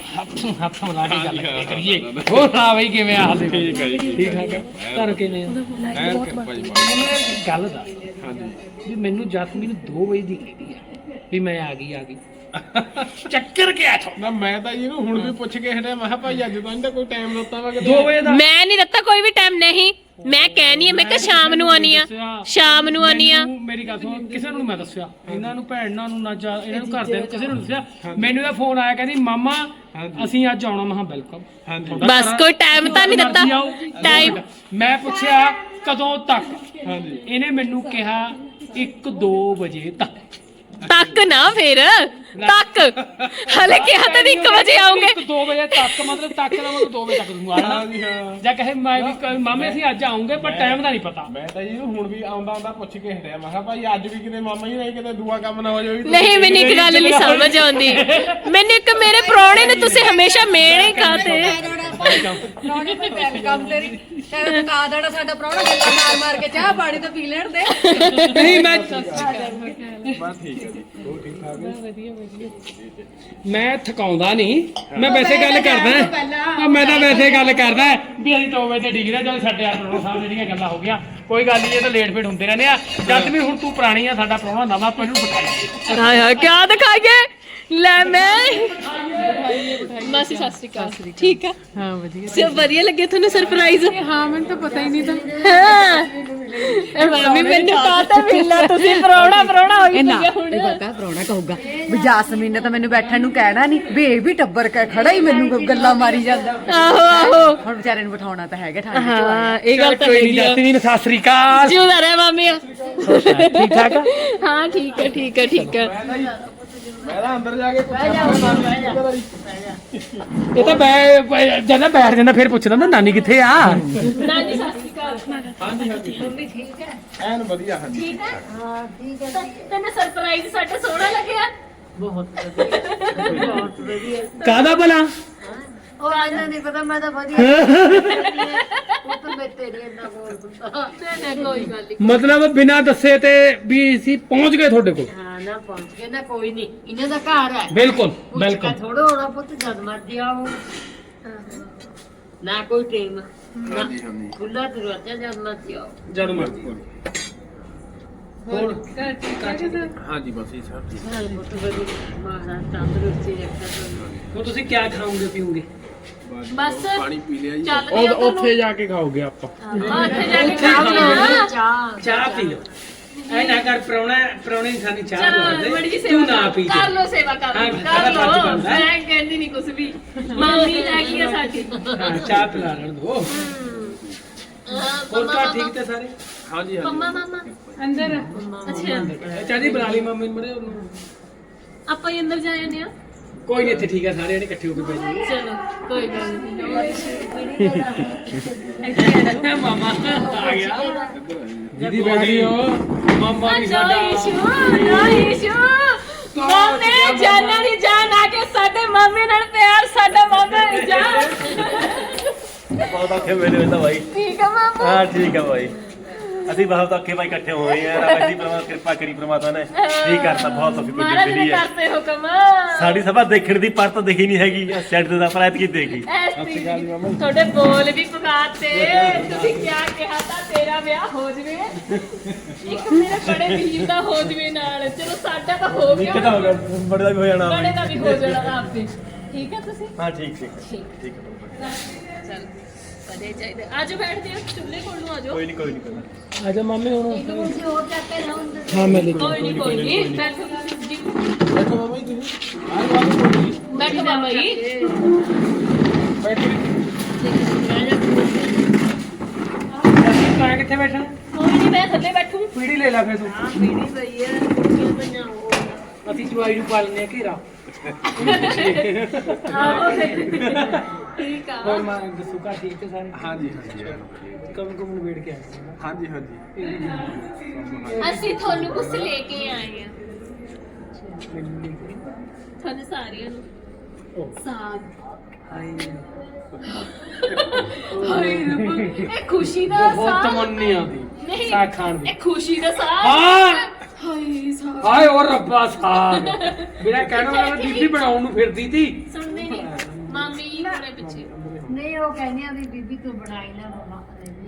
[SPEAKER 4] ਹੱਥ ਮਿਲਾ ਕੇ ਗੱਲ ਕਰੀਏ ਹੋਰ ਸੁਣਾ ਬਈ ਕਿਵੇਂ ਆ ਹਾਲੇ ਠੀਕ ਹੈ ਜੀ ਠੀਕ ਠਾਕ ਘਰ ਕਿਵੇਂ ਆ ਗੱਲ ਦਾ ਹਾਂਜੀ ਵੀ ਮੈਨੂੰ ਜਸਮੀਨ 2 ਵਜੇ ਦੀ ਕਹਿੰਦੀ ਆ ਵੀ ਮੈਂ ਆ ਗਈ ਚੱਕਰ ਕਿਆ ਥਾ
[SPEAKER 1] ਨਾ ਮੈਂ ਤਾਂ ਇਹਨੂੰ ਹੁਣ ਵੀ ਪੁੱਛ ਕੇ ਹਟਿਆ ਮੈਂ ਕਿਹਾ ਭਾਈ ਅੱਜ ਤਾਂ ਇਹਦਾ ਕੋਈ ਟਾਈਮ ਦਿੱਤਾ ਵਾ
[SPEAKER 4] 2 ਵਜੇ ਦਾ
[SPEAKER 2] ਮੈਂ ਨਹੀਂ ਦਿੱਤਾ ਕੋਈ ਵੀ ਟਾਈਮ ਨਹੀਂ ਮੈਂ ਕਹਿਨੀ ਆ ਮੈਂ ਕਿ ਸ਼ਾਮ ਨੂੰ ਆਨੀ ਆ ਸ਼ਾਮ ਨੂੰ ਆਨੀ ਆ
[SPEAKER 4] ਮੇਰੀ ਗੱਲ ਸੁਣ ਕਿਸੇ ਨੂੰ ਮੈਂ ਦੱਸਿਆ ਇਹਨਾਂ ਨੂੰ ਭੈਣਾਂ ਨੂੰ ਨਾ ਇਹਨਾਂ ਨੂੰ ਘਰਦਿਆਂ ਨੂੰ ਕਿਸੇ ਨੂੰ ਦੱਸਿਆ ਮੈਨੂੰ ਇਹ ਫੋਨ ਆਇਆ ਕਹਿੰਦੀ ਮਾਮਾ ਅਸੀਂ ਅੱਜ ਆਉਣਾ ਮੈਂ ਵੈਲਕਮ
[SPEAKER 2] ਬਸ ਕੋਈ ਟਾਈਮ ਤਾਂ ਨਹੀਂ ਦਿੱਤਾ ਟਾਈਮ
[SPEAKER 4] ਮੈਂ ਪੁੱਛਿਆ ਕਦੋਂ ਤੱਕ ਇਹਨੇ ਮੈਨੂੰ ਕਿਹਾ 1-2 ਵਜੇ
[SPEAKER 2] ਤੱਕ ਨਾ ਫਿਰ ਤੱਕ ਹਲੇ ਕਿਹਾ ਤਾਂ 1 ਵਜੇ ਆਉਂਗੇ
[SPEAKER 4] 2 ਵਜੇ ਤੱਕ ਮਤਲਬ ਤੱਕ ਦਾ ਮਤਲਬ 2 ਵਜੇ ਤੱਕ ਤੂੰ ਆਣਾ ਜਾਂ ਕਹੇ ਮੈਂ ਵੀ ਮਾਮੇ ਅਸੀਂ ਅੱਜ ਆਉਂਗੇ ਪਰ ਟਾਈਮ ਦਾ ਨਹੀਂ ਪਤਾ
[SPEAKER 1] ਮੈਂ ਤਾਂ ਇਹਨੂੰ ਹੁਣ ਵੀ ਆਉਂਦਾ ਪੁੱਛ ਕੇ ਹਟਿਆ ਮੈਂ ਕਿਹਾ ਭਾਈ ਅੱਜ ਵੀ ਕਿਤੇ ਮਾਮਾ ਹੀ ਨਹੀਂ ਕਿਤੇ ਦੂਆ ਕੰਮ ਨਾ ਹੋ ਜਾਵੇ
[SPEAKER 2] ਨਹੀਂ ਮੈਨੂੰ ਇੱਕ ਗੱਲ ਨਹੀਂ ਸਮਝ ਆਉਂਦੀ ਮੈਨੂੰ ਇੱਕ ਮੇਰੇ ਪ੍ਰਾਹੁਣੇ ਨੇ ਤੁਸੀਂ ਹਮੇਸ਼ਾ ਮੇਲ ਹੀ ਖਾਤੇ
[SPEAKER 5] ਪ੍ਰਾਹੁਣੇ ਤੇ ਵੈਲਕਮ ਤੇਰੀ ਤੇ ਕਾ ਦੇਣਾ ਸਾਡਾ ਪ੍ਰਾਹੁਣਾ ਗੱਲਾਂ ਮਾਰ ਕੇ ਚਾਹ ਪਾਣੀ ਤਾਂ ਪੀ ਲੈਣ ਦੇ
[SPEAKER 4] ਨਹੀਂ ਮੈਂ
[SPEAKER 1] ਬਸ ਠੀਕ ਹੈ ਜੀ ਹੋਰ ਠੀਕ ਠਾਕ ਹੈ
[SPEAKER 4] ਮੈਂ ਥਕਾਉਂਦਾ ਨਹੀਂ ਮੈਂ ਵੈਸੇ ਗੱਲ ਕਰਦਾ ਮੈਂ ਤਾਂ ਵੈਸੇ ਗੱਲ ਕਰਦਾ ਵੀ ਅਸੀਂ 2 ਵਜੇ ਤੇ ਡਿਗਰੀ ਜਦੋਂ ਸਾਡੇ ਪ੍ਰਾਹੁਣਾ ਸਾਹਿਬ ਜਿਹੜੀਆਂ ਗੱਲਾਂ ਹੋ ਗਈਆਂ ਕੋਈ ਗੱਲ ਨਹੀਂ ਇਹ ਤਾਂ ਲੇਟ ਫੇਟ ਹੁੰਦੇ ਰਹਿੰਦੇ ਆ ਜਦ ਵੀ ਹੁਣ ਤੂੰ ਪੁਰਾਣੀ ਆ ਸਾਡਾ ਪ੍ਰਾਹੁਣਾ ਨਵਾਂ ਪਹਿਲੂ ਬਿਠਾਈਏ
[SPEAKER 2] ਹਾਏ ਹਾਏ ਕੀ ਦਿਖਾਈਏ ਲੈ ਮੈਂ ਮਾਸੀ ਸਤਿ ਸ਼੍ਰੀ ਅਕਾਲ ਠੀਕ ਆ
[SPEAKER 5] ਹਾਂ ਵਧੀਆ
[SPEAKER 2] ਸਭ ਵਧੀਆ ਲੱਗੇ ਤੁਹਾਨੂੰ ਸਰਪ੍ਰਾਈਜ਼
[SPEAKER 5] ਹਾਂ ਮੈਨੂੰ ਤਾਂ ਪਤਾ ਹੀ ਨਹੀਂ ਤਾਂ
[SPEAKER 2] ਹਾਂ ਇਹ ਮਾਮੀ ਮੈਨੂੰ ਕਹਤਾ ਮਿਲਣਾ ਤੁਸੀਂ ਪ੍ਰਾਹੁਣਾ ਹੋਈ ਪਈ ਆ ਹੁਣ
[SPEAKER 5] ਪਤਾ ਪ੍ਰਾਹੁਣਾ ਕਹੂਗਾ ਵੀ ਜਾਸਮੀਨ ਨੇ ਤਾਂ ਮੈਨੂੰ ਬੈਠਣ ਨੂੰ ਕਹਿਣਾ ਨਹੀਂ ਵੀ ਇਹ ਵੀ ਟੱਬਰ ਖੜਾ ਹੀ ਮੈਨੂੰ ਗੱਲਾਂ ਮਾਰੀ ਜਾਂਦਾ
[SPEAKER 2] ਆਹੋ ਆਹੋ
[SPEAKER 5] ਹੁਣ ਵਿਚਾਰੇ ਨੂੰ ਬਿਠਾਉਣਾ ਤਾਂ ਹੈਗਾ ਠੰਡ
[SPEAKER 2] ਹਾਂ ਇਹ ਗੱਲ ਤਾਂ
[SPEAKER 4] ਕੋਈ
[SPEAKER 2] ਹੈਗੀ
[SPEAKER 4] ਨਹੀਂ
[SPEAKER 2] ਆ
[SPEAKER 4] ਜਸਮੀਨ ਸਤਿ ਸ੍ਰੀ ਅਕਾਲ
[SPEAKER 2] ਜਿਉਂਦਾ ਰਹਿ ਮਾਮੀ
[SPEAKER 4] ਠੀਕ ਠਾਕ ਆ
[SPEAKER 2] ਹਾਂ ਠੀਕ ਹੈ ਠੀਕ ਹੈ ਠੀਕ ਹੈ
[SPEAKER 1] ਮੈਂ ਤਾਂ ਅੰਦਰ ਜਾ ਕੇ ਪੁੱਛਿਆ
[SPEAKER 4] ਇਹ ਤਾਂ ਜਦੋਂ ਬੈਠ ਜਾਂਦਾ ਫਿਰ ਪੁੱਛਦਾ ਨਾ ਨਾਨੀ ਕਿੱਥੇ ਆ
[SPEAKER 2] ਨਾਨੀ ਸਤਿ ਸ਼੍ਰੀ ਅਕਾਲ
[SPEAKER 1] ਹਾਂਜੀ ਹਾਂਜੀ ਮੰਮੀ ਠੀਕ ਹੈ ਐਨ ਵਧੀਆ ਹਾਂਜੀ
[SPEAKER 2] ਠੀਕ ਹੈ ਹਾਂ ਠੀਕ ਹੈ ਤੈਨੂੰ ਸਰਪ੍ਰਾਈਜ਼ ਸਾਡਾ ਸੋਹਣਾ ਲੱਗਿਆ
[SPEAKER 4] ਕਾਹਦਾ ਭਲਾ
[SPEAKER 5] ਉਹ ਆਇਨਾ ਨਹੀਂ ਪਤਾ ਮੈਂ ਤਾਂ ਵਧੀਆ ਉਹ ਤਾਂ ਮੈਂ ਤੇਰੀ ਇੰਨਾ ਬੋਲ ਦਿੰਦਾ
[SPEAKER 2] ਨਾ ਕੋਈ ਗੱਲ ਨਹੀਂ
[SPEAKER 4] ਮਤਲਬ ਬਿਨਾਂ ਦੱਸੇ ਤੇ ਵੀ ਅਸੀਂ ਪਹੁੰਚ ਗਏ ਤੁਹਾਡੇ ਕੋਲ
[SPEAKER 5] ਹਾਂ ਨਾ ਪਹੁੰਚ ਗਏ ਨਾ ਕੋਈ ਨਹੀਂ ਇਹਨਾਂ ਦਾ ਘਰ ਹੈ
[SPEAKER 4] ਬਿਲਕੁਲ ਬਿਲਕੁਲ
[SPEAKER 5] ਥੋੜਾ ਹੋਣਾ ਪੁੱਤ ਜਦ ਮਰਦੀ ਆਓ ਨਾ ਕੋਈ ਟਾਈਮ ਨਾ ਖੁੱਲਾ ਦਰਵਾਜ਼ਾ ਜਦ ਮਰਦੀ ਆਓ
[SPEAKER 4] ਜਦ ਮਰਜ਼ੀ
[SPEAKER 5] ਹੋਰ ਘਰ ਠੀਕ ਹੈ
[SPEAKER 1] ਹਾਂਜੀ ਬਸ ਇਹ ਸਭ ਠੀਕ
[SPEAKER 5] ਹਾਂ ਪੁੱਤ ਬੜੀ ਮਹਾਰਾਜ ਤੰਦਰੁਸਤੀ ਰੱਖਦਾ ਤੁਹਾਨੂੰ
[SPEAKER 4] ਹੁਣ ਤੁਸੀਂ ਕੀ ਖਾਓਗੇ ਪੀਓਗੇ
[SPEAKER 2] ਬਸ
[SPEAKER 1] ਪਾਣੀ ਪੀ ਲਿਆ ਜੀ
[SPEAKER 2] ਚੱਲਦੇ ਆ
[SPEAKER 4] ਉੱਥੇ ਜਾ ਕੇ ਖਾਓਗੇ ਆਪਾਂ
[SPEAKER 2] ਉੱਥੇ ਜਾ ਕੇ ਖਾਣਾ
[SPEAKER 4] ਚਾਹ ਪੀ ਲਓ ਐ ਨਾ ਕਰ ਪ੍ਰਾਹੁਣੇ ਦੀ ਸਾਡੀ ਚਾਹ
[SPEAKER 2] ਚਲੋ ਬੜੀ
[SPEAKER 4] ਤੂੰ
[SPEAKER 2] ਸੇਵਾ
[SPEAKER 4] ਨਾ ਪੀ
[SPEAKER 2] ਕਰ ਲੋ ਸੇਵਾ ਕਰ
[SPEAKER 4] ਹਾਂ,
[SPEAKER 2] ਲਓ
[SPEAKER 4] ਸਾਡਾ ਫਰਜ਼ ਬਣਦਾ ਹੈ।
[SPEAKER 2] ਮੈਂ ਕਹਿੰਦੀ ਨਹੀਂ ਕੁਝ ਵੀ ਮਾਮੀ ਹੈਗੀ ਆ ਸਾਡੀ
[SPEAKER 4] ਹਾਂ ਚਾਹ ਪਿਲਾ ਲੈਣ ਦੋ ਹੋਰ ਤਾਂ ਠੀਕ ਤੇ ਸਾਰੇ
[SPEAKER 1] ਹਾਂਜੀ ਹਾਂਜੀ
[SPEAKER 2] ਮਾਮਾ
[SPEAKER 5] ਅੰਦਰ
[SPEAKER 2] ਅੱਛਾ
[SPEAKER 4] ਚਾਹ ਦੀ ਬੁਲਾ ਲਈ ਮੰਮੀ ਨੂੰ ਮਰੇ ਉਹਨੂੰ
[SPEAKER 2] ਆਪਾਂ ਹੀ ਅੰਦਰ ਜਾ ਜਾਂਦੇ ਆ
[SPEAKER 4] ਕੋਈ ਨਹੀਂ ਇੱਥੇ ਠੀਕ ਆ ਸਾਰੇ ਜਣੇ ਇਕੱਠੇ ਹੋ ਕੇ ਬੈਠ ਜਾਓ
[SPEAKER 2] ਚਲੋ ਕੋਈ ਗੱਲ
[SPEAKER 4] ਮਾਮਾ ਆ ਗਿਆ ਦੀਦੀ ਬੈਠ ਗਈ ਹੋ ਮਾਮਾ ਵੀ
[SPEAKER 2] ਨਹੀਂ
[SPEAKER 4] ਸਾਡਾ
[SPEAKER 2] ਨੋ ਇਸ਼ੂ ਮਾਮੇ ਜਾਨਾਂ ਦੀ ਜਾਨ ਆ ਕੇ ਸਾਡੇ ਮਾਮੇ ਨਾਲ ਪਿਆਰ ਸਾਡਾ ਮਾਮਾ ਦੀ ਜਾਨ
[SPEAKER 6] ਬਹੁਤ ਔਖੇ ਵੇਲੇ ਹੋਏ ਤਾਂ ਭਾਈ
[SPEAKER 2] ਠੀਕ ਆ ਮਾਮਾ
[SPEAKER 6] ਹਾਂ ਠੀਕ ਆ ਭਾਈ ਅਸੀਂ ਬਹੁਤ ਔਖੇ ਭਾਈ ਇਕੱਠੇ ਹੋਏ ਆ ਰੱਬ ਦੀ ਕਿਰਪਾ ਕਰੀ ਪ੍ਰਮਾਤਮਾ ਨੇ ਠੀਕ ਕਰਤਾ ਬਹੁਤ ਔਖੀ ਕੋਈ
[SPEAKER 2] ਮਹਾਰਾਜ ਨੇ
[SPEAKER 6] ਜ਼ਿੰਦਗੀ ਹੈ
[SPEAKER 2] ਕਰਤੇ ਹੁਕਮ
[SPEAKER 6] ਸਾਡੀ ਸਭਾ ਦੇਖਣ ਦੀ ਪਰ ਤਾਂ ਦੇਖੀ ਨਹੀਂ ਹੈਗੀ ਸੈੱਟ ਦਾ ਪਰ ਕੀ ਦੇਖੀ
[SPEAKER 2] ਤੁਹਾਡੇ ਬੋਲ ਵੀ ਪੁਕਾਰਤੇ ਤੁਸੀਂ ਕਿਆ ਕਿਹਾ ਤਾਂ ਤੇਰਾ ਵਿਆਹ ਹੋ ਜਵੇ ਇੱਕ ਮੇਰੇ ਬੜੇ ਵੀਰ ਦਾ ਹੋ ਜਵੇ ਨਾਲ ਚਲੋ ਸਾਡਾ ਤਾਂ ਹੋ ਗਿਆ
[SPEAKER 6] ਇੱਕ ਤਾਂ ਹੋ ਗਿਆ ਬੜੇ ਦਾ ਵੀ ਹੋ ਜਾਣਾ
[SPEAKER 2] ਬੜੇ ਦਾ ਵੀ ਹੋ ਜਾਣਾ ਆਪੇ ਠੀਕ ਹੈ ਤੁਸੀਂ
[SPEAKER 6] ਹਾਂ ਠੀਕ ਠੀਕ ਹੈ
[SPEAKER 2] ਚਲ ਵਧੀਆ ਚਾਹੀਦਾ ਆਜੋ ਬੈਠਦੇ ਹੋ ਚੁੱਲ੍ਹੇ ਕੋਲ ਨੂੰ ਆਜੋ
[SPEAKER 6] ਕੋਈ ਨਹੀਂ
[SPEAKER 4] ਆਜਾ ਮਾਮੇ ਹੁਣ
[SPEAKER 5] ਹੋਰ ਚੱਕ ਕੇ ਲਾਉਂ
[SPEAKER 4] ਹਾਂ ਮੈਂ ਲੈ
[SPEAKER 2] ਕੋਈ ਨਹੀਂ ਬੈਠੋ ਤੁਸੀਂ ਜੀ
[SPEAKER 1] ਬੈਠੋ ਮਾਮਾ ਜੀ ਤੁਸੀਂ ਆਹ ਬਾਤ ਕੋਈ
[SPEAKER 2] ਬੈਠੋ ਮਾਮਾ ਜੀ
[SPEAKER 1] ਬੈਠੋ
[SPEAKER 4] ਮੈਂ ਕਿੱਥੇ ਬੈਠਾ
[SPEAKER 2] ਕੋਈ ਨਹੀਂ ਮੈਂ ਥੱਲੇ ਬੈਠੂ
[SPEAKER 4] ਪੀੜੀ ਲੈ ਲੈ ਫੇਰ ਤੂੰ
[SPEAKER 5] ਪੀੜੀ ਪਈ ਹੈ ਕੁੜੀਆਂ ਪਈਆਂ ਉਹ
[SPEAKER 4] ਅਸੀਂ ਜਵਾਈ ਨੂੰ ਪਾਲਨੇ ਆ ਘੇਰਾ
[SPEAKER 2] ਆਹੋ ਠੀਕ ਆ
[SPEAKER 4] ਹੋਰ ਮੈਂ ਦੱਸੂ ਘਰ ਠੀਕ ਤੇ ਸਾਰੇ
[SPEAKER 1] ਹਾਂਜੀ ਹਾਂਜੀ
[SPEAKER 4] ਕਮ ਕਮ ਨੂੰ ਵੇੜ ਕੇ ਆਏ
[SPEAKER 1] ਹਾਂਜੀ ਹਾਂਜੀ
[SPEAKER 2] ਅਸੀਂ ਤੁਹਾਨੂੰ ਕੁਝ ਲੈ ਕੇ ਆਏ ਆ ਤੁਹਾਨੂੰ ਸਾਰਿਆਂ ਨੂੰ ਸਾਗ ਹਾਏ ਰੱਬ ਇਹ ਖੁਸ਼ੀ ਦਾ
[SPEAKER 4] ਬਹੁਤ
[SPEAKER 2] ਸਾਗ
[SPEAKER 4] ਤਮੰਨੀ ਆਉਂਦੀ
[SPEAKER 2] ਨਹੀਂ
[SPEAKER 4] ਸਾਗ ਖਾਣ ਦੀ
[SPEAKER 2] ਇਹ ਖੁਸ਼ੀ ਦਾ ਸਾਗ
[SPEAKER 4] ਹਾਂ
[SPEAKER 2] ਹਾਏ ਸਾਗ
[SPEAKER 4] ਹਾਏ ਉਹ ਰੱਬਾ ਸਾਗ ਬਿਨਾ ਕਹਿਣ ਵਾਲਾ ਬੀਬੀ ਬਣਾਉਣ ਨੂੰ ਫਿਰਦੀ ਸੀ
[SPEAKER 2] ਸੁਣਦੇ ਨਹੀਂ ਹੋਣੇ ਪਿੱਛੇ।
[SPEAKER 5] ਨਹੀਂ ਉਹ ਕਹਿੰਦੇ ਆ ਵੀ ਬੀਬੀ ਤੂੰ ਬਣਾਈ ਨਾ ਮਮਾ